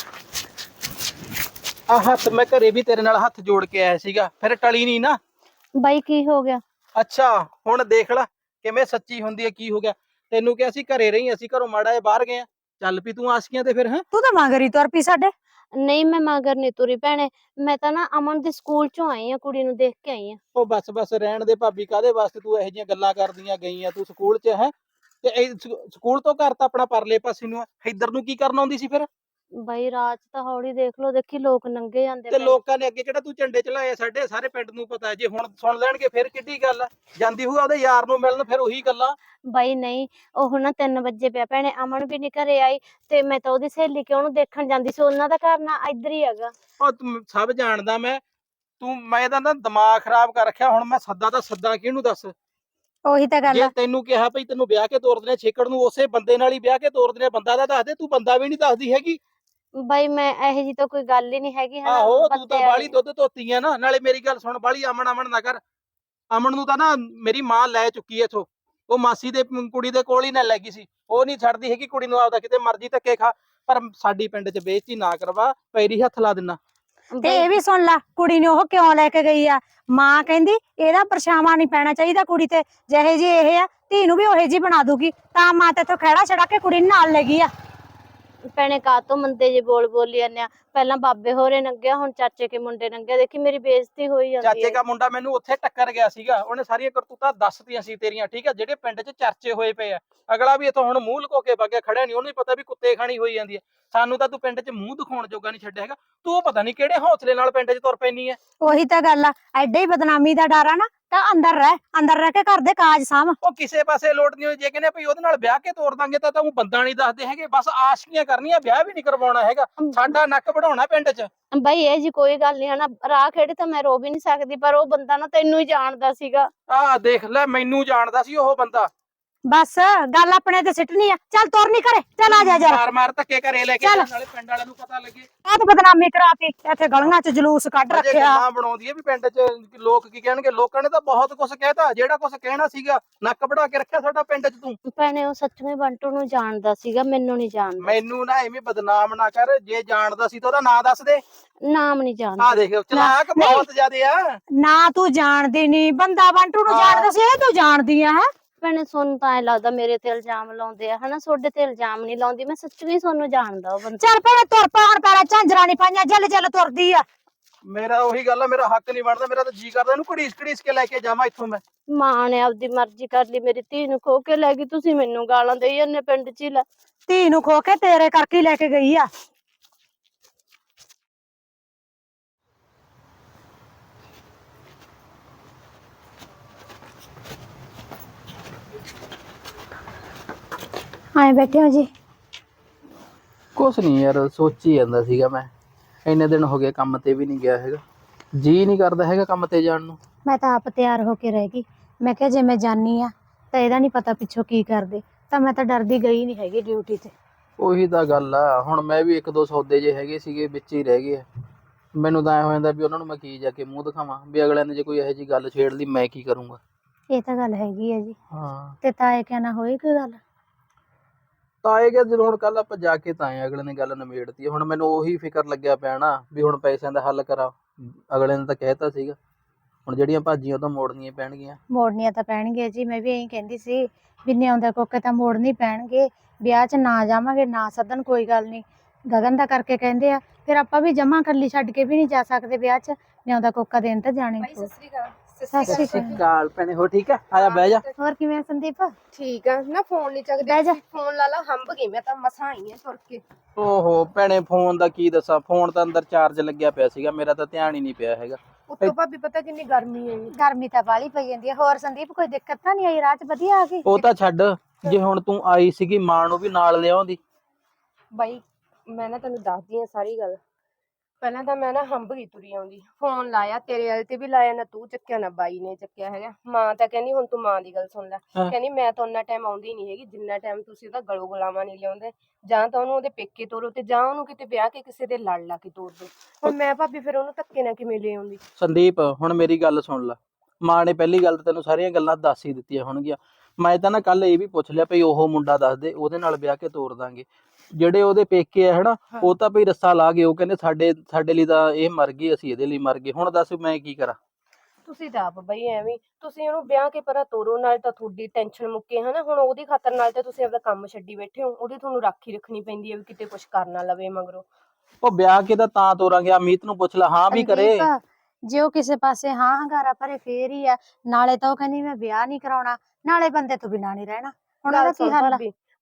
Speaker 3: ਆ ਹੱਥ ਮੈਂ ਘਰੇ ਵੀ ਤੇਰੇ ਨਾਲ ਹੱਥ ਜੋੜ ਕੇ ਆਇਆ ਸੀਗਾ, ਫਿਰ ਟਲੀ ਨਹੀਂ ਨਾ।
Speaker 2: ਬਾਈ ਕੀ ਹੋ ਗਿਆ?
Speaker 3: ਅੱਛਾ ਹੁਣ ਦੇਖ ਲੈ ਕਿਵੇਂ ਸੱਚੀ ਹੁੰਦੀ ਹੈ। ਕੀ ਹੋ ਗਿਆ? ਤੈਨੂੰ ਕਿਹਾ ਸੀ ਘਰੇ ਰਹੀ, ਅਸੀਂ ਘਰੋਂ ਮਾੜਾ ਜਿਹਾ ਬਾਹਰ ਗਏ ਆ। ਚੱਲ ਪਈ ਤੂੰ ਆਸ਼ਕੀਆਂ ਤੇ ਫਿਰ। ਹੈ
Speaker 1: ਤੂੰ ਤਾਂ ਮਗਰੀ ਤੁਰ ਪਈ ਸਾਡੇ।
Speaker 2: ਨਹੀਂ ਮੈਂ ਮਗਰ ਨਹੀਂ ਤੁਰੀ ਭੈਣੇ, ਮੈਂ ਤਾਂ ਨਾ ਅਮਨ ਦੇ ਸਕੂਲ 'ਚੋਂ ਆਈ ਆ, ਕੁੜੀ ਨੂੰ ਦੇਖ ਕੇ ਆਈ ਆ।
Speaker 3: ਉਹ ਬਸ ਬਸ ਰਹਿਣ ਦੇ ਭਾਬੀ, ਕਾਹਦੇ ਵਾਸਤੇ ਤੂੰ ਇਹੋ ਜਿਹੀਆਂ ਗੱਲਾਂ ਕਰਦੀਆਂ ਗਈਆਂ? ਤੂੰ ਸਕੂਲ 'ਚ ਹੈ ਤੇ ਇਹ ਸਕੂਲ ਤੋਂ ਘਰ ਤਾਂ ਆਪਣਾ ਪਰਲੇ ਪਾਸੇ ਨੂੰ ਆ, ਇੱਧਰ ਨੂੰ ਕੀ ਕਰਨ ਆਉਂਦੀ ਸੀ ਫਿਰ?
Speaker 2: ਬਾਈ ਰਾਤ ਤਾਂ ਹੌਲੀ ਦੇਖ ਲਓ, ਦੇਖੀ ਲੋਕ ਨੰਗੇ ਜਾਂਦੇ
Speaker 3: ਤੇ
Speaker 2: ਪਏ।
Speaker 3: ਲੋਕਾਂ ਨੇ ਅੱਗੇ ਕਿਹੜਾ ਤੂੰ ਝੰਡੇ ਚਲਾਏ ਸਾਡੇ ਸਾਰੇ ਪਿੰਡ ਨੂੰ ਪਤਾ ਹੈ। ਜੇ ਹੁਣ ਸੁਣ ਲੈਣਗੇ ਫਿਰ ਕਿੱਡੀ ਗੱਲ ਆ। ਜਾਂਦੀ ਹੋਊ ਉਹਦੇ ਯਾਰ ਨੂੰ ਮਿਲਣ, ਫਿਰ ਉਹੀ ਗੱਲਾਂ।
Speaker 2: ਬਾਈ ਨਹੀਂ, ਉਹ ਨਾ ਤਿੰਨ ਵਜੇ ਪਿਆ ਭੈਣੇ, ਅਮਨ ਵੀ ਨੀ ਘਰੇ ਆਈ ਤੇ ਮੈਂ ਤਾਂ ਉਹਦੀ ਸਹੇਲੀ ਕਿ ਉਹਨੂੰ ਦੇਖਣ ਜਾਂਦੀ ਸੀ, ਉਹਨਾਂ ਦਾ ਘਰ ਨਾ ਇੱਧਰ ਹੀ ਹੈਗਾ।
Speaker 3: ਉਹ ਤੂੰ ਸਭ ਜਾਣਦਾ ਮੈਂ, ਤੂੰ ਮੈਂ ਤਾਂ ਨਾ ਦਿਮਾਗ ਖਰਾਬ ਕਰ ਰੱਖਿਆ। ਹੁਣ ਮੈਂ ਸੱਦਾ ਤਾਂ ਸੱਦਾ ਕਿਹਨੂੰ ਦੱਸ।
Speaker 1: ਉਹੀ ਤਾਂ ਗੱਲ
Speaker 3: ਜੇ
Speaker 1: ਆ।
Speaker 3: ਤੈਨੂੰ ਕਿਹਾ ਭਈ ਤੈਨੂੰ ਵਿਆਹ ਕੇ ਤੋਰ ਦਿੰਦੇ ਛੇਕੜ ਨੂੰ, ਉਸੇ ਬੰਦੇ ਨਾਲ ਹੀ ਵਿਆਹ ਕੇ ਤੋਰ ਦਿੰਦੇ। ਬੰਦਾ ਤਾਂ ਦੱਸ ਦੇ, ਤੂੰ ਬੰਦਾ ਵੀ ਨਹੀਂ ਦੱਸਦੀ ਹੈਗੀ।
Speaker 2: ਬਾਈ ਮੈਂ ਇਹੋ ਜੀ ਤਾਂ ਕੋਈ ਗੱਲ ਹੀ ਨਹੀਂ ਹੈਗੀ ਹਨਾ।
Speaker 3: ਆਹੋ ਤੂੰ
Speaker 2: ਬੰਦੇ
Speaker 3: ਤਾਂ
Speaker 2: ਵਾਲੀ
Speaker 3: ਬਾਹਲੀ ਦੁੱਧ ਧੋਤੀ ਆ ਨਾ। ਨਾਲੇ ਮੇਰੀ ਗੱਲ ਸੁਣ, ਬਾਹਲੀ ਅਮਨ ਅਮਨ ਨਾ ਕਰ। ਅਮਨ ਨੂੰ ਤਾਂ ਨਾ ਮੇਰੀ ਮਾਂ ਲੈ ਚੁੱਕੀ ਐ ਇਥੋਂ। ਉਹ ਮਾਸੀ ਦੇ ਕੁੜੀ ਦੇ ਕੋਲ ਹੀ ਨਾ ਲੈ ਗਈ ਸੀ। ਉਹ ਨਹੀਂ ਛੱਡਦੀ ਹੈਗੀ ਕੁੜੀ ਨੂੰ, ਆਪਦਾ ਕਿਤੇ ਮਰਜ਼ੀ ਧੱਕੇ ਖਾ, ਪਰ ਸਾਡੀ ਪਿੰਡ 'ਚ ਬੇਇੱਜ਼ਤੀ ਨਾ ਕਰਵਾ, ਪੈਰੀ ਹੱਥ ਲਾ ਦਿੰਨਾ।
Speaker 1: ਤੇ ਇਹ ਵੀ ਸੁਣ ਲੈ, ਕੁੜੀ ਨੇ ਉਹ ਕਿਉਂ ਲੈ ਕੇ ਗਈ ਆ। ਮਾਂ ਕਹਿੰਦੀ ਇਹਦਾ ਪਰਛਾਵਾਂ ਨਹੀਂ ਪੈਣਾ ਚਾਹੀਦਾ ਕੁੜੀ ਤੇ, ਜਿਹੇ ਜੀ ਇਹ ਆ ਧੀ ਨੂੰ ਵੀ ਉਹੇ ਜੀ ਬਣਾ ਦੂਗੀ, ਤਾਂ ਮਾਂ ਤੇ ਤੋਂ ਖਹਿੜਾ ਛੜਾ ਕੇ ਕੁੜੀ ਨੂੰ ਨਾਲ ਲੈ ਗਈ ਆ।
Speaker 2: ਭੈਣੇ ਕਾਹਤੋਂ ਮੰਦੇ ਜੇ ਬੋਲ ਬੋਲੀ ਜਾਂਦੇ ਆ। ਪਹਿਲਾਂ ਬਾਬੇ ਹੋਰੇ ਨੰਗਿਆ, ਹੁਣ ਚਾਚੇ ਕੇ ਮੁੰਡੇ ਨੰਗਿਆ, ਦੇਖੀ ਮੇਰੀ ਬੇਇੱਜ਼ਤੀ ਹੋਈ ਜਾਂਦੀ
Speaker 3: ਚਾਚੇ
Speaker 2: ਹੈ।
Speaker 3: ਦਾ ਮੁੰਡਾ ਮੈਨੂੰ ਉੱਥੇ ਟੱਕਰ ਗਿਆ ਸੀਗਾ, ਉਹਨੇ ਸਾਰੀਆਂ ਕਰਤੂਤਾਂ ਦੱਸਤੀਆਂ ਸੀ ਤੇਰੀਆਂ, ਠੀਕ ਆ, ਜਿਹੜੇ ਪਿੰਡ 'ਚ ਚਰਚੇ ਹੋਏ ਪਏ ਆ। ਅਗਲਾ ਵੀ ਇੱਥੋਂ ਹੁਣ ਮੂੰਹ ਲੁਕੋ ਕੇ ਵਗਿਆ ਖੜਿਆ ਨਹੀਂ, ਉਹਨੂੰ ਵੀ ਪਤਾ ਵੀ ਕੁੱਤੇ ਖਾਣੀ ਹੋਈ ਜਾਂਦੀ ਹੈ। ਸਾਨੂੰ ਤਾਂ ਤੂੰ ਪਿੰਡ 'ਚ ਮੂੰਹ ਦਿਖਾਉਣ ਜੋਗਾ ਨਹੀਂ ਛੱਡਿਆ ਹੈਗਾ। ਤੂੰ ਪਤਾ ਨਹੀਂ ਕਿਹੜੇ ਹੌਸਲੇ ਨਾਲ ਪਿੰਡ 'ਚ ਤੁਰ ਪੈਣੀ ਹੈ।
Speaker 1: ਉਹੀ ਤਾਂ ਗੱਲ ਆ, ਐਡੇ ਹੀ ਬਦਨਾਮੀ ਦਾ ਡਰ ਆ ਨਾ, ਤਾਂ ਅੰਦਰ ਰਹਿ, ਅੰਦਰ ਰਹਿ ਕੇ ਘਰ ਦੇ ਕਾਜ ਸਾਂਭ।
Speaker 3: ਉਹ ਕਿਸੇ ਪਾਸੇ ਲੋਟ ਨਹੀਂ ਹੋਈ। ਜੇ ਕਹਿੰਦੇ ਭਈ ਉਹਦੇ ਨਾਲ ਵਿਆਹ ਕੇ ਤੋਰ ਦਾਂਗੇ ਤਾਂ ਉਹ ਬੰਦਾ ਨਹੀਂ ਦੱਸਦੇ ਹੈਗੇ, ਬਸ ਆਸ਼ਕੀਆਂ ਕਰਨੀਆਂ, ਵਿਆਹ ਵੀ ਨਹੀਂ ਕਰਵਾਉਣਾ ਹੈਗਾ। ਸਾਡਾ ਨੱਕ ਵਢਾਉਣਾ ਪਿੰਡ 'ਚ।
Speaker 2: ਬਾਈ ਇਹ ਜੀ ਕੋਈ ਗੱਲ ਨਹੀਂ ਹਨਾ, ਰਾਹ ਖੇੜੇ ਤਾਂ ਮੈਂ ਰੋ ਵੀ ਨਹੀਂ ਸਕਦੀ, ਪਰ ਉਹ ਬੰਦਾ ਨਾ ਤੈਨੂੰ ਹੀ ਜਾਣਦਾ ਸੀਗਾ।
Speaker 3: ਆਹ ਦੇਖ ਲੈ, ਮੈਨੂੰ ਜਾਣਦਾ ਸੀ ਉਹ ਬੰਦਾ।
Speaker 1: ਬਸ ਗੱਲ ਆਪਣੇ ਤੇ ਸਿੱਟਣੀ ਆ। ਚੱਲ ਤੁਰ ਨੀ ਘਰੇ, ਚੱਲ ਆ ਜਾ ਜਰਾ।
Speaker 3: ਮਾਰ ਮਾਰ ਧੱਕੇ ਘਰੇ ਲੈ ਕੇ
Speaker 1: ਚੱਲ।
Speaker 3: ਜਾਣ, ਨਾਲੇ ਪਿੰਡ ਵਾਲਿਆਂ ਨੂੰ ਪਤਾ ਲੱਗੇ।
Speaker 1: ਬਹੁਤ ਬਦਨਾਮੀ ਕਰਾਤੀ, ਇੱਥੇ ਗਲੀਆਂ 'ਚ ਜਲੂਸ ਕੱਢ
Speaker 3: ਅਜੇ
Speaker 1: ਰੱਖਿਆ।
Speaker 3: ਗੱਲਾਂ ਬਣਾਉਂਦੀ ਹੈ ਵੀ ਪਿੰਡ 'ਚ ਲੋਕ ਕੀ ਕਹਿਣਗੇ। ਲੋਕਾਂ ਨੇ ਤਾਂ ਬਹੁਤ ਕੁਝ ਕਹਿਤਾ, ਜਿਹੜਾ ਕੁਝ ਕਹਿਣਾ ਸੀਗਾ ਨੱਕ ਵਢਾ ਕੇ ਰੱਖਿਆ ਸਾਡਾ ਪਿੰਡ 'ਚ। ਤੂੰ
Speaker 2: ਭੈਣੇ ਉਹ ਸੱਚਵੇਂ ਬੰਟੂ ਨੂੰ ਜਾਣਦਾ ਸੀਗਾ, ਮੈਨੂੰ ਨਹੀਂ ਜਾਣਦਾ।
Speaker 3: ਮੈਨੂੰ ਨਾ ਐਵੇਂ ਬਦਨਾਮ ਨਾ ਕਰ। ਜੇ ਜਾਣਦਾ ਸੀ ਤਾਂ ਉਹਦਾ ਨਾਂ ਦੱਸ ਦੇ।
Speaker 2: ਨਾਮ ਨਹੀਂ ਜਾਣਦਾ।
Speaker 3: ਆਹ ਦੇਖ ਚਲਾਕ ਬਹੁਤ ਜ਼ਿਆਦੇ ਆ।
Speaker 1: ਨਾ ਤੂੰ ਜਾਣਦੀ ਨੀ, ਬੰਦਾ ਬੰਟੂ ਨੂੰ ਜਾਣਦਾ ਸੀ, ਇਹ ਤੂੰ ਜਾਣਦੀ ਆ ਹੈ।
Speaker 2: ਭੈਣੇ ਸੋਨੂੰ ਤਾਂ ਐ ਲੱਗਦਾ ਮੇਰੇ ਤੇ ਇਲਜ਼ਾਮ ਲਾਉਂਦੇ ਆ ਹਨਾ, ਤੁਹਾਡੇ ਤੇ ਇਲਜ਼ਾਮ ਨਹੀਂ ਲਾਉਂਦੀ ਮੈਂ, ਸੱਚੀ ਸੋਨੂੰ ਜਾਣਦਾ ਉਹ ਬੰਦਾ।
Speaker 1: ਚੱਲ ਭੈਣੇ ਤੁਰ ਪਾ, ਹੁਣ ਪੈਰਾਂ ਝਾਂਜਰਾਂ ਨੀ ਪਾਈਆਂ, ਜਲ ਜਲ ਤੁਰਦੀ ਆ।
Speaker 3: ਮੇਰਾ ਉਹੀ ਗੱਲ ਆ, ਮੇਰਾ ਹੱਕ ਨਹੀਂ ਬਣਦਾ। ਮੇਰਾ ਤਾਂ ਜੀ ਕਰਦਾ ਇਹਨੂੰ ਘੜੀਸ ਘੜੀਸ ਕੇ ਲੈ ਕੇ ਜਾਵਾਂ ਇੱਥੋਂ ਮੈਂ।
Speaker 2: ਮਾਂ ਨੇ ਆਪਦੀ ਮਰਜ਼ੀ ਕਰ ਲਈ, ਮੇਰੀ ਧੀ ਨੂੰ ਖੋ ਕੇ ਲੈ ਗਈ, ਤੁਸੀਂ ਮੈਨੂੰ ਗਾਲਾਂ ਦੇਈ ਜਾਂਦੇ ਪਿੰਡ 'ਚ ਹੀ। ਲੈ
Speaker 1: ਧੀ ਨੂੰ ਖੋ ਕੇ ਤੇਰੇ ਕਰਕੇ ਹੀ ਲੈ ਕੇ ਗਈ ਆ। ਆਏ ਬੈਠੇ ਹੋ ਜੀ?
Speaker 3: ਕੁਛ ਨਹੀਂ ਯਾਰ, ਸੋਚੀ ਜਾਂਦਾ ਸੀਗਾ ਮੈਂ। ਇੰਨੇ ਦਿਨ ਹੋ ਗਏ ਕੰਮ ਤੇ ਵੀ ਨਹੀਂ ਗਿਆ ਹੈਗਾ, ਜੀ ਨਹੀਂ ਕਰਦਾ ਹੈਗਾ ਕੰਮ ਤੇ ਜਾਣ ਨੂੰ।
Speaker 1: ਮੈਂ ਤਾਂ ਆਪ ਤਿਆਰ ਹੋ ਕੇ ਰਹਿ ਗਈ। ਮੈਂ ਕਿਹਾ ਜੇ ਮੈਂ ਜਾਨੀ ਆ ਤਾਂ ਇਹਦਾ ਨਹੀਂ ਪਤਾ ਪਿੱਛੋਂ ਕੀ ਕਰਦੇ, ਤਾਂ ਮੈਂ ਤਾਂ ਡਰਦੀ ਗਈ ਨਹੀਂ ਹੈਗੀ ਡਿਊਟੀ ਤੇ।
Speaker 3: ਉਹੀ ਤਾਂ ਗੱਲ ਆ। ਹੁਣ ਮੈਂ ਵੀ ਇੱਕ ਦੋ ਸੌਦੇ ਜੇ ਹੈਗੇ ਸੀਗੇ ਵਿੱਚ ਹੀ ਰਹਿ ਗਏ ਆ। ਮੈਨੂੰ ਤਾਂ ਐ ਹੋ ਜਾਂਦਾ ਵੀ ਉਹਨਾਂ ਨੂੰ ਮੈਂ ਕੀ ਜਾ ਕੇ ਮੂੰਹ ਦਿਖਾਵਾਂ, ਵੀ ਅਗਲਿਆਂ ਨੇ ਜੇ ਕੋਈ ਇਹੋ ਜਿਹੀ ਗੱਲ ਛੇੜ ਲਈ ਮੈਂ ਕੀ ਕਰੂੰਗਾ।
Speaker 1: ਇਹ ਤਾਂ ਗੱਲ ਹੈਗੀ ਹੈ ਜੀ।
Speaker 3: ਹਾਂ
Speaker 1: ਤੇ ਤਾਏ ਕਹਿਣਾ ਹੋਈ ਕੋਈ ਗੱਲ?
Speaker 3: ਤਾਂ ਇਹ ਕਿ ਜਦੋਂ ਹੁਣ ਕੱਲ ਆਪਾਂ ਜਾ ਕੇ ਤਾਂ ਆਏ, ਅਗਲੇ ਨੇ ਗੱਲ ਨਿਬੇੜਤੀ। ਹੁਣ ਮੈਨੂੰ ਉਹੀ ਫਿਕਰ ਲੱਗਿਆ ਪਿਆ ਨਾ ਵੀ ਹੁਣ ਪੈਸਿਆਂ ਦਾ ਹੱਲ ਕਰਾਂ। ਅਗਲੇ ਨੇ ਤਾਂ ਕਹਿਤਾ ਸੀਗਾ, ਹੁਣ ਜਿਹੜੀਆਂ ਭਾਜੀਆਂ ਉਹ ਤਾਂ ਮੋੜਨੀਆਂ ਪੈਣਗੀਆਂ।
Speaker 1: ਮੋੜਨੀਆਂ ਤਾਂ ਪੈਣਗੀਆਂ ਜੀ, ਮੈਂ ਵੀ ਇਹੀ ਕਹਿੰਦੀ ਸੀ ਵੀ ਨਿਆਉਂਦੇ ਕੋਕੇ ਤਾਂ ਮੋੜਨੀ ਪੈਣਗੇ। ਵਿਆਹ 'ਚ ਨਾ ਜਾਵਾਂਗੇ ਨਾ ਸੱਦਣ ਕੋਈ ਗੱਲ ਨਹੀਂ, ਗਗਨ ਦਾ ਕਰਕੇ ਕਹਿੰਦੇ ਆ, ਫਿਰ ਆਪਾਂ ਵੀ ਜਮਾ ਕੱਲੀ ਛੱਡ ਕੇ ਵੀ ਨਹੀਂ ਜਾ ਸਕਦੇ ਵਿਆਹ ਚ। ਨਿਆਉਂਦਾ ਕੋਕਾ ਦੇਣ ਤਾਂ ਜਾਣੇ। ਸਤਿ ਸ਼੍ਰੀ ਅਕਾਲ।
Speaker 3: ਕਾਲ ਭੈਣੇ, ਹੋ ਠੀਕ ਆ? ਆਇਆ ਬਹਿ ਜਾ।
Speaker 1: ਹੋਰ ਕਿਵੇਂ ਆ ਸੰਦੀਪ?
Speaker 4: ਠੀਕ ਆ ਨਾ। ਫੋਨ ਨਹੀਂ ਚੱਕਦੇ,
Speaker 1: ਬਹਿ ਜਾ।
Speaker 4: ਫੋਨ ਲਾ ਲਾ, ਹੰਬ ਗਈ ਮੈਂ ਤਾਂ, ਮਸਾਂ ਆਈ ਆ ਤੁਰ ਕੇ।
Speaker 3: ਓਹੋ ਭੈਣੇ, ਫੋਨ ਦਾ ਕੀ ਦੱਸਾਂ, ਫੋਨ ਤਾਂ ਅੰਦਰ ਚਾਰਜ ਲੱਗਿਆ ਪਿਆ ਸੀਗਾ, ਮੇਰਾ ਤਾਂ ਧਿਆਨ ਹੀ ਨਹੀਂ ਪਿਆ ਹੈਗਾ।
Speaker 4: ਉੱਤੋਂ ਭਾਬੀ ਪਤਾ ਕਿੰਨੀ ਗਰਮੀ ਹੈ।
Speaker 1: ਗਰਮੀ ਤਾਂ ਬਾਹਲੀ ਪਈ ਜਾਂਦੀ ਹੈ। ਹੋਰ ਸੰਦੀਪ ਕੋਈ ਦਿੱਕਤ ਤਾਂ ਨਹੀਂ ਆਈ ਰਾਹ 'ਚ? ਵਧੀਆ ਆ ਗਈ?
Speaker 3: ਉਹ ਤਾਂ ਛੱਡ, ਜੇ ਹੁਣ ਤੂੰ ਆਈ ਸੀਗੀ ਮਾਂ ਨੂੰ ਵੀ ਨਾਲ ਲਿਆਉਂਦੀ।
Speaker 4: ਬਾਈ ਮੈਂ ਨਾ ਤੈਨੂੰ ਦੱਸਦੀ ਆ ਸਾਰੀ ਗੱਲ। ਪਹਿਲਾਂ ਤਾਂ ਮੈਂ ਨਾ ਹੰਬ ਗਈ ਤੁਰੀ ਆਉਂਦੀ, ਫੋਨ ਲਾਇਆ ਤੇਰੇ ਵਾਲੇ ਤੇ ਵੀ ਲਾਇਆ, ਨਾ ਤੂੰ ਚੱਕਿਆ ਨਾ ਬਾਈ ਨੇ ਚੱਕਿਆ ਹੈਗਾ। ਮਾਂ ਤਾਂ ਕਹਿੰਦੀ ਹੁਣ ਤੂੰ ਮਾਂ ਦੀ ਗੱਲ ਸੁਣ ਲੈ।
Speaker 3: ਹਾਂ।
Speaker 4: ਕਹਿੰਦੀ ਮੈਂ ਤਾਂ ਉਹਨਾਂ ਟਾਈਮ ਆਉਂਦੀ ਨਹੀਂ ਹੈਗੀ ਜਿੰਨਾ ਟਾਈਮ ਤੁਸੀਂ ਉਹਦਾ ਗਲੋ ਗੁਲਾਵਾ ਨਹੀਂ ਲਿਆਉਂਦੇ। ਜਾਂ ਤਾਂ ਉਹਨੂੰ ਉਹਦੇ ਪੇਕੇ ਤੋਰੋ ਤੇ ਜਾਂ ਉਹਨੂੰ ਕਿਤੇ ਵਿਆਹ ਕੇ ਕਿਸੇ ਦੇ ਲੜ ਲਾ ਕੇ ਤੋਰ ਦੋ। ਹੁਣ ਮੈਂ ਭਾਬੀ ਫਿਰ ਉਹਨੂੰ ਧੱਕੇ ਨਾਲ ਕਿਵੇਂ ਲੈ ਆਉਂਦੀ?
Speaker 3: ਸੰਦੀਪ ਹੁਣ ਮੇਰੀ ਗੱਲ ਸੁਣ ਲੈ। ਮਾਂ ਨੇ ਪਹਿਲੀ ਗੱਲ ਤਾਂ ਤੈਨੂੰ ਸਾਰੀਆਂ ਗੱਲਾਂ ਦੱਸ ਹੀ ਦਿੱਤੀਆਂ ਹੋਣਗੀਆਂ। ਮੈਂ ਤਾਂ ਨਾ ਕੱਲ ਇਹ ਵੀ ਪੁੱਛ ਲਿਆ ਭਈ ਉਹ ਮੁੰਡਾ ਦੱਸ ਦੇ, ਉਹਦੇ ਨਾਲ ਵਿਆਹ ਕੇ ਤੋਰ ਦਾਂਗੇ। ਜਿਹੜੇ ਉਹਦੇ ਪੇਕੇ ਆ ਹਨਾ, ਉਹ ਤਾਂ ਭਈ ਰੱਸਾ ਲਾ ਗਏ। ਉਹ ਕਹਿੰਦੇ ਸਾਡੇ ਸਾਡੇ ਲਈ ਤਾਂ ਇਹ ਮਰ ਗਈ, ਅਸੀਂ ਇਹਦੇ ਲਈ ਮਰ ਗਏ। ਹੁਣ ਦੱਸ ਮੈਂ ਕੀ ਕਰਾਂ?
Speaker 4: ਤੁਸੀਂ ਤਾਂ ਆਪ ਬਈ ਐਵੇਂ, ਤੁਸੀਂ ਉਹਨੂੰ ਵਿਆਹ ਕੇ ਪਰਾਂ ਤੋਰੋ, ਨਾਲ ਤਾਂ ਤੁਹਾਡੀ ਟੈਨਸ਼ਨ ਮੁੱਕੇ ਹਨਾ। ਹੁਣ ਉਹਦੀ ਖਾਤਰ ਨਾਲ ਤਾਂ ਤੁਸੀਂ ਆਪਦਾ ਕੰਮ ਛੱਡੀ ਬੈਠੇ ਹੋ, ਉਹਦੀ ਤੁਹਾਨੂੰ ਰਾਖੀ ਰੱਖਣੀ ਪੈਂਦੀ ਹੈ ਵੀ ਕਿਤੇ ਕੁਛ ਕਰ ਨਾ ਲਵੇ ਮਗਰੋਂ।
Speaker 3: ਉਹ ਵਿਆਹ ਕੇ ਤਾਂ ਤਾਂ ਤੋਰਾਂਗੇ, ਆ ਮੀਤ ਨੂੰ ਪੁੱਛ ਲੈ, ਹਾਂ ਵੀ ਕਰੇ।
Speaker 1: ਸੰਦੀਪ, ਜੇ ਉਹ ਕਿਸੇ ਪਾਸੇ ਹਾਂ ਹੰਗਾਰਾ ਭਰੇ ਫੇਰ ਹੀ ਆ। ਨਾਲੇ ਤਾਂ ਉਹ ਕਹਿੰਦੀ ਮੈਂ ਵਿਆਹ ਨਹੀਂ ਕਰਾਉਣਾ, ਨਾਲੇ ਬੰਦੇ ਤੋਂ ਬਿਨਾਂ ਨਹੀਂ ਰਹਿਣਾ। ਹੁਣ ਉਹਦਾ
Speaker 4: ਗੱਲ
Speaker 1: ਕੀ
Speaker 4: ਸੁਣ
Speaker 1: ਹੱਲ ਆ?
Speaker 4: ਭਾਬੀ,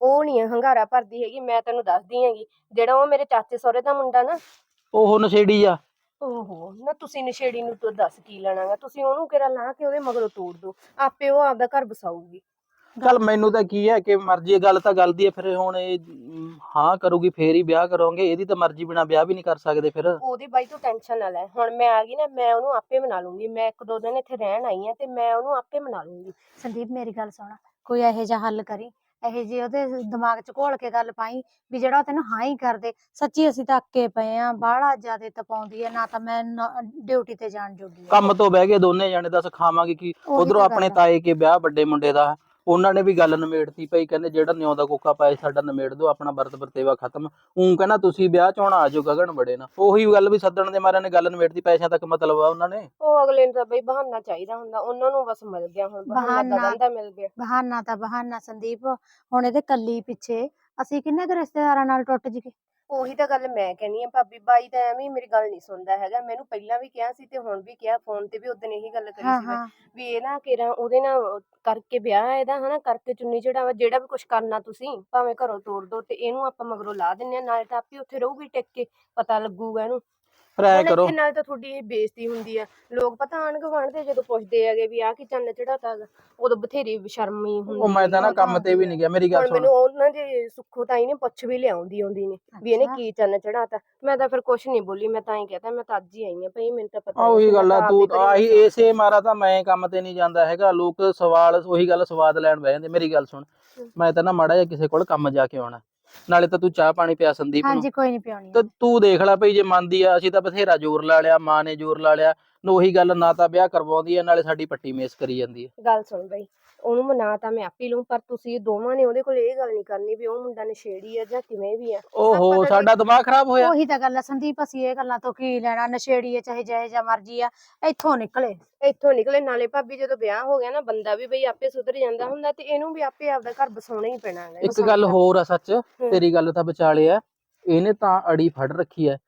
Speaker 4: ਉਹ ਨਹੀਂ ਹੰਗਾਰਾ ਭਰਦੀ ਹੈਗੀ। ਮੈਂ ਤੈਨੂੰ ਦੱਸਦੀ ਹੈਗੀ, ਜਿਹੜਾ ਉਹ ਮੇਰੇ ਚਾਚੇ ਸਹੁਰੇ ਦਾ ਮੁੰਡਾ ਨਾ,
Speaker 3: ਉਹ ਨਸ਼ੇੜੀ ਆ।
Speaker 4: ਓਹੋ ਨਾ, ਤੁਸੀਂ ਨਸ਼ੇੜੀ ਨੂੰ ਤੂੰ ਦੱਸ ਕੀ ਲੈਣਾਗਾ? ਤੁਸੀਂ ਉਹਨੂੰ ਕਿਹੜਾ ਲਾ ਕੇ ਉਹਦੇ ਮਗਰੋਂ ਤੋੜ ਦੋ, ਆਪੇ ਉਹ ਆਪਦਾ ਘਰ ਬਸਾਊਗੀ।
Speaker 3: ਚੱਲ ਮੈਨੂੰ ਤਾਂ ਕੀ ਹੈ ਕਿ ਮਰਜ਼ੀ, ਗੱਲ ਤਾਂ ਗੱਲ ਦੀ ਹੈ। ਫਿਰ ਹੁਣ ਇਹ ਮ, ਹਾਂ ਕਰੂਗੀ ਫੇਰ ਹੀ ਵਿਆਹ ਕਰੋਗੇ, ਇਹਦੀ ਤਾਂ ਮਰਜ਼ੀ ਬਿਨਾ ਵਿਆਹ ਵੀ ਨਹੀਂ ਕਰ ਸਕਦੇ ਫਿਰ।
Speaker 4: ਉਹਦੀ ਬਾਈ ਤੂੰ ਟੈਨਸ਼ਨ ਨਾ ਲੈ, ਹੁਣ ਮੈਂ ਆ ਗਈ ਨਾ, ਮੈਂ ਉਹਨੂੰ ਆਪੇ ਮਨਾ ਲੂੰਗੀ। ਮੈਂ ਇੱਕ ਦੋ ਦਿਨ ਇੱਥੇ ਰਹਿਣ ਆਈ ਆ ਤੇ ਮੈਂ ਉਹਨੂੰ ਆਪੇ ਮਨਾ ਲੂੰਗੀ।
Speaker 1: ਸੰਦੀਪ ਮੇਰੀ ਗੱਲ ਸੁਣ, ਕੋਈ ਇਹੋ ਜਿਹਾ ਹੱਲ ਕਰੀ, ਇਹੋ ਜਿਹੀ ਉਹਦੇ ਦਿਮਾਗ 'ਚ ਘੋਲ ਕੇ ਗੱਲ ਪਾਈ ਵੀ ਜਿਹੜਾ ਉਹ ਤੈਨੂੰ ਹਾਂ ਹੀ ਕਰਦੇ। ਸੱਚੀ ਅਸੀਂ ਤਾਂ ਅੱਕੇ ਪਏ ਆ, ਬਾਹਲਾ ਜ਼ਿਆਦਾ ਤਪਾਉਂਦੀ ਆ, ਨਾ ਤਾਂ ਮੈਂ ਡਿਊਟੀ ਤੇ ਜਾਣ ਜੋਗੀ ਆ।
Speaker 3: ਕੰਮ ਤੋਂ ਬਹਿ ਗਏ ਦੋਨੇ ਜਾਣੇ, ਦੱਸ ਖਾਵਾਂਗੇ ਕੀ?
Speaker 1: ਉਹੀ
Speaker 3: ਉਧਰੋਂ
Speaker 1: ਤਾਂ
Speaker 3: ਆਪਣੇ
Speaker 1: ਗੱਲ ਆ।
Speaker 3: ਤਾਏ ਕੇ ਵਿਆਹ ਵੱਡੇ ਮੁੰਡੇ ਦਾ, ਉਹਨਾਂ ਨੇ ਵੀ ਗੱਲ ਨਿਮੇੜਤੀ ਪਈ, ਕਹਿੰਦੇ ਜਿਹੜਾ ਨਿਉ ਦਾ ਕੋਕਾ ਪਾਏ ਸਾਡਾ ਨਿਮੇੜ ਦਿਓ, ਆਪਣਾ ਵਰਤ ਵਰਤੇਵਾ ਖਤਮ। ਊਂ ਕਹਿੰਦਾ ਤੁਸੀਂ ਵਿਆਹ ਚ ਆਉਣਾ ਆ ਜਾਓ ਗਗਨ ਬੜੇ ਨਾ, ਉਹੀ ਗੱਲ ਵੀ ਸੱਦਣ ਦੇ ਮਾਰਿਆਂ ਨੇ ਗੱਲ ਨਿਮੇੜਤੀ, ਪੈਸਿਆਂ ਤੱਕ ਮਤਲਬ ਆ ਉਹਨਾਂ ਨੇ।
Speaker 4: ਉਹ ਅਗਲੇ ਨੂੰ ਤਾਂ ਬਈ ਬਹਾਨਾ ਚਾਹੀਦਾ ਹੁੰਦਾ, ਉਹਨਾਂ ਨੂੰ ਬਸ ਮਿਲ ਗਿਆ ਹੁਣ ਬਹਾਨਾ,
Speaker 1: ਬਹਾਨਾ
Speaker 4: ਗਗਨ ਦਾ ਮਿਲ ਗਿਆ।
Speaker 1: ਬਹਾਨਾ ਤਾਂ ਬਹਾਨਾ ਸੰਦੀਪ, ਹੁਣ ਇਹਦੇ ਕੱਲੀ ਪਿੱਛੇ ਅਸੀਂ ਕਿੰਨੇ ਕੁ ਰਿਸ਼ਤੇਦਾਰਾਂ ਨਾਲ ਟੁੱਟ ਜੀਏ।
Speaker 4: ਉਹੀ ਤਾਂ ਗੱਲ ਮੈਂ ਕਹਿੰਦੀ ਆ ਭਾਬੀ, ਬਾਈ ਤਾਂ ਐਵੇਂ ਹੀ ਮੇਰੀ ਗੱਲ ਨਹੀਂ ਸੁਣਦਾ ਹੈਗਾ। ਮੈਨੂੰ ਪਹਿਲਾਂ ਵੀ ਕਿਹਾ ਸੀ ਤੇ ਹੁਣ ਵੀ ਕਿਹਾ, ਫੋਨ ਤੇ ਵੀ ਉਦੋਂ ਇਹੀ ਗੱਲ ਕਰੀ
Speaker 1: ਹਾਂ
Speaker 4: ਸੀ ਮੈਂ,
Speaker 1: ਹਾਂ
Speaker 4: ਵੀ ਇਹ ਨਾ ਕਿਰਾ ਉਹਦੇ ਨਾਲ ਕਰਕੇ ਵਿਆਹ ਇਹਦਾ ਹਨਾ, ਕਰਕੇ ਚੁੰਨੀ ਚੜਾਵਾ ਜਿਹੜਾ ਵੀ ਕੁਝ ਕਰਨਾ ਤੁਸੀਂ ਭਾਵੇਂ ਘਰੋਂ ਤੋੜ ਦੋ, ਤੇ ਇਹਨੂੰ ਆਪਾਂ ਮਗਰੋਂ ਲਾ ਦਿੰਨੇ ਆ, ਨਾਲੇ ਤਾਂ ਆਪੇ ਉੱਥੇ ਰਹੂਗੀ ਟਿਕ ਕੇ, ਪਤਾ ਲੱਗੂਗਾ ਇਹਨੂੰ।
Speaker 3: ਫਿਰ ਐ
Speaker 4: ਹੁਣ
Speaker 3: ਕਰੋ,
Speaker 4: ਇੱਥੇ ਨਾਲ ਤਾਂ ਤੁਹਾਡੀ ਇਹ ਬੇਇੱਜ਼ਤੀ ਹੁੰਦੀ ਆ, ਲੋਕ ਪਤਾ ਆਣ ਗੁਆਂਢ ਦੇ ਜਦੋਂ ਪੁੱਛਦੇ ਹੈਗੇ ਵੀ ਆਹ ਕੀ ਚੰਨ ਚੜਾਤਾ ਗਾ, ਉਦੋਂ ਬਥੇਰੀ ਸ਼ਰਮੀ ਹੁੰਦੀ
Speaker 3: ਉਹ ਮੈਂ ਤਾਂ ਨਾ ਕੰਮ ਤੇ ਵੀ ਨਹੀਂ ਗਿਆ, ਮੇਰੀ ਗੱਲ
Speaker 4: ਹੁਣ
Speaker 3: ਸੁਣ।
Speaker 4: ਮੈਨੂੰ ਉਹਨਾਂ ਦੇ ਸੁੱਖੋ ਤਾਈ ਨੇ ਪੁੱਛ ਵੀ ਲਿਆਉਂਦੀ ਆਉਂਦੀ ਨੇ ਵੀ ਇਹਨੇ
Speaker 1: ਅੱਛਾ।
Speaker 4: ਕੀ ਚੰਨ ਚੜਾਤਾ। ਮੈਂ ਤਾਂ ਫਿਰ ਕੁਛ ਨਹੀਂ ਬੋਲੀ, ਮੈਂ ਤਾਂ ਹੀ ਕਹਤਾ ਮੈਂ ਤਾਂ ਅੱਜ ਹੀ ਆਈ ਆ ਭਈ, ਮੈਨੂੰ ਤਾਂ ਪਤਾ
Speaker 3: ਆ
Speaker 4: ਨਹੀਂ ਸੀ,
Speaker 3: ਉਹੀ
Speaker 4: ਮੈਂ
Speaker 3: ਗੱਲ ਆ,
Speaker 4: ਤਾਂ ਆਪ
Speaker 3: ਤੂੰ
Speaker 4: ਹੀ ਘਰੇ
Speaker 3: ਆਹੀ
Speaker 4: ਮਸਾਂ-
Speaker 3: ਇਸੇ ਮਾਰਾ ਤਾਂ ਮੈਂ ਕੰਮ ਤੇ ਨਹੀਂ ਜਾਂਦਾ ਹੈਗਾ। ਲੋਕ ਸਵਾਲ ਉਹੀ ਗੱਲ ਸਵਾਦ ਲੈਣ ਬਹਿ ਜਾਂਦੇ। ਮੇਰੀ ਗੱਲ ਸੁਣ, ਮੈਂ ਤਾਂ ਨਾ ਮਾੜਾ ਜਿਹਾ ਕਿਸੇ ਕੋਲ ਕੰਮ ਜਾ ਕੇ ਆਉਣਾ, ਨਾਲੇ ਤਾਂ ਤੂੰ ਚਾਹ ਪਾਣੀ ਪਿਆ ਸੰਦੀਪ ਨੂੰ।
Speaker 1: ਹਾਂਜੀ ਕੋਈ ਨਹੀਂ ਪਿਆਉਣੀ
Speaker 3: ਤੇ ਤੂੰ ਦੇਖ ਲੈ ਭਈ, ਜੇ ਮੰਨਦੀ ਆ, ਅਸੀਂ ਤਾਂ ਬਥੇਰਾ ਜ਼ੋਰ ਲਾ ਲਿਆ, ਮਾਂ ਨੇ ਜ਼ੋਰ ਲਾ ਲਿਆ, ਉਹੀ ਗੱਲ, ਨਾ ਤਾਂ ਵਿਆਹ ਕਰਵਾਉਂਦੀ ਆ, ਨਾਲੇ ਸਾਡੀ ਪੱਟੀ ਮੇਸ ਕਰੀ ਜਾਂਦੀ ਹੈ।
Speaker 4: ਗੱਲ ਸੁਣ ਬਈ, ਉਹਨੂੰ ਮਨਾ ਤਾਂ ਮੈਂ ਆਪੇ ਲੂੰ, ਪਰ ਤੁਸੀਂ ਦੋਵਾਂ ਨੇ ਉਹਦੇ ਕੋਲ ਇਹ ਗੱਲ ਨਹੀਂ ਕਰਨੀ ਵੀ ਉਹ ਮੁੰਡਾ ਨਸ਼ੇੜੀ ਆ ਜਾਂ ਕਿਵੇਂ ਵੀ ਆ।
Speaker 3: ਓਹੋ
Speaker 4: ਆਪਾਂ ਤਾਂ
Speaker 3: ਸਾਡਾ ਦਿਮਾਗ ਖਰਾਬ ਹੋਇਆ।
Speaker 1: ਉਹੀ ਤਾਂ ਗੱਲ ਆ ਸੰਦੀਪ, ਅਸੀਂ ਇਹ ਗੱਲਾਂ ਤੋਂ ਕੀ ਲੈਣਾ, ਨਸ਼ੇੜੀ ਆ ਚਾਹੇ ਜਿਹੇ ਜਿਹਾ ਮਰਜੀ ਆ, ਇੱਥੋਂ ਨਿਕਲੇ।
Speaker 4: ਇੱਥੋਂ ਨਿਕਲੇ, ਨਾਲੇ ਭਾਬੀ ਜਦੋਂ ਵਿਆਹ ਹੋ ਗਿਆ ਨਾ, ਬੰਦਾ ਵੀ ਬਈ ਆਪੇ ਸੁਧਰ ਜਾਂਦਾ ਹੁੰਦਾ, ਤੇ ਇਹਨੂੰ ਵੀ ਆਪੇ ਆਪਦਾ ਘਰ ਬਸਾਉਣਾ ਹੀ ਪੈਣਾ ਹੈਗਾ।
Speaker 3: ਇੱਕ ਗੱਲ ਹੋਰ ਆ ਸੱਚ, ਤੇਰੀ ਗੱਲ ਤਾਂ ਵਿਚਾਲੇ ਆ, ਇਹਨੇ ਤਾਂ ਅੜੀ ਫੜ ਰੱਖੀ ਐ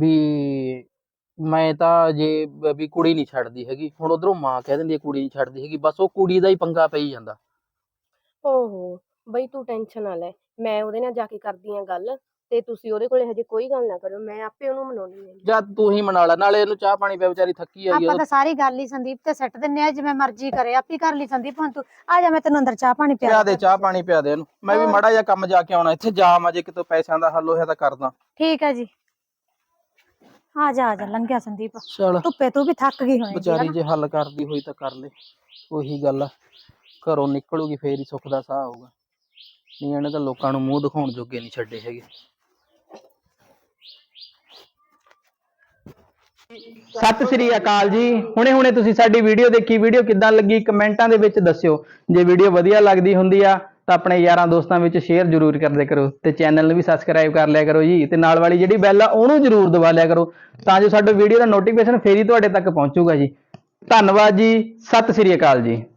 Speaker 3: ਵੀ ਮੈਂ ਤਾਂ ਜੇ ਬ- ਵੀ ਕੁੜੀ ਨਹੀਂ ਛੱਡਦੀ ਹੈਗੀ। ਹੁਣ ਉਧਰੋਂ ਮਾਂ ਕਹਿ ਦਿੰਦੀ ਹੈ ਕੁੜੀ ਨਹੀਂ ਛੱਡਦੀ ਹੈਗੀ, ਬਸ ਉਹ ਕੁੜੀ ਦਾ ਹੀ ਪੰਗਾ ਪਈ ਜਾਂਦਾ।
Speaker 4: ਓਹੋ ਬਈ ਤੂੰ ਟੈਨਸ਼ਨ ਨਾ ਲੈ, ਮੈਂ ਉਹਦੇ ਨਾਲ ਜਾ ਕੇ ਕਰਦੀ ਆ ਗੱਲ, ਤੇ ਤੁਸੀਂ ਉਹਦੇ ਕੋਲੇ ਹਜੇ ਕੋਈ ਗੱਲ ਨਾ ਕਰੋ, ਮੈਂ ਆਪੇ ਉਹਨੂੰ ਮਨਾਉਣੀ ਹੈ।
Speaker 3: ਜਦ ਤੂੰ ਹੀ ਮਨਾ ਲੈ, ਨਾਲੇ ਇਹਨੂੰ ਚਾਹ ਪਾਣੀ ਪਿਆ, ਵਿਚਾਰੀ ਥੱਕੀ ਆਈ
Speaker 1: ਆਪਾਂ
Speaker 3: ਆ।
Speaker 1: ਤਾਂ ਸਾਰੀ ਗੱਲ ਹੀ ਸੰਦੀਪ ਤੇ ਸੱਟ ਦਿੰਨੇ ਆ, ਜਿਵੇਂ ਮਰਜੀ ਕਰੇ ਆਪੀ ਕਰ ਲਈ। ਸੰਦੀਪ ਹੁਣ ਤੂੰ ਆ ਜਾ, ਮੈਂ ਤੈਨੂੰ ਅੰਦਰ ਚਾਹ ਪਾਣੀ ਪਿਆ
Speaker 3: ਪਿਆ ਦੇ ਚਾਹ ਪਾਣੀ ਪਿਆ ਦੇ ਇਹਨੂੰ, ਮੈਂ ਵੀ ਮਾੜਾ ਜਿਹਾ ਕੰਮ ਜਾ ਕੇ ਆਉਣਾ, ਇੱਥੇ ਜਾਮ ਅਜੇ ਕਿਤੋਂ ਪੈਸਿਆਂ ਦਾ ਹੱਲ ਹੋਇਆ ਤਾਂ ਕਰਦਾ।
Speaker 1: ਠੀਕ ਹੈ ਜੀ, ਆ ਜਾ ਆ ਜਾ, ਲੰਘਿਆ ਸੰਦੀਪ,
Speaker 3: ਚਲ
Speaker 1: ਧੁੱਪੇ ਤੂੰ ਵੀ ਥੱਕ ਗਈ ਹੋਏਗੀ
Speaker 3: ਵਿਚਾਰੀ
Speaker 1: ਹਨਾ।
Speaker 3: ਜੇ ਹੱਲ ਕਰਦੀ ਹੋਈ ਤਾਂ ਕਰ ਲੈ, ਉਹੀ ਗੱਲ ਆ, ਘਰੋਂ ਨਿਕਲੂਗੀ ਫੇਰ ਹੀ ਸੁੱਖ ਦਾ ਸਾਹ ਆਊਗਾ, ਨਹੀਂ ਇਹਨੇ ਤਾਂ ਲੋਕਾਂ ਨੂੰ ਮੂੰਹ ਦਿਖਾਉਣ ਜੋਗੇ ਨਹੀਂ ਛੱਡੇ ਹੈਗੇ। ਸਤਿ ਸ੍ਰੀ ਅਕਾਲ ਜੀ। ਹੁਣੇ ਹੁਣੇ ਤੁਸੀਂ ਸਾਡੀ ਵੀਡੀਓ ਦੇਖੀ, ਵੀਡੀਓ ਕਿੱਦਾਂ ਲੱਗੀ ਕਮੈਂਟਾਂ ਦੇ ਵਿੱਚ ਦੱਸਿਓ। ਜੇ ਵੀਡੀਓ ਵਧੀਆ ਲੱਗਦੀ ਹੁੰਦੀ ਆ ਤਾਂ ਆਪਣੇ ਯਾਰਾਂ ਦੋਸਤਾਂ ਵਿੱਚ ਸ਼ੇਅਰ ਜ਼ਰੂਰ ਕਰਦੇ ਕਰੋ, ਤੇ ਚੈਨਲ ਨੂੰ ਵੀ ਸਬਸਕ੍ਰਾਈਬ ਕਰ ਲਿਆ ਕਰੋ ਜੀ, ਤੇ ਨਾਲ ਵਾਲੀ ਜਿਹੜੀ ਬੈਲ ਆ ਉਹਨੂੰ ਜ਼ਰੂਰ ਦਬਾ ਲਿਆ ਕਰੋ, ਤਾਂ ਜੋ ਸਾਡੇ ਵੀਡੀਓ ਦਾ ਨੋਟੀਫਿਕੇਸ਼ਨ ਫੇਰ ਹੀ ਤੁਹਾਡੇ ਤੱਕ ਪਹੁੰਚੂਗਾ ਜੀ। ਧੰਨਵਾਦ ਜੀ, ਸਤਿ ਸ੍ਰੀ ਅਕਾਲ ਜੀ।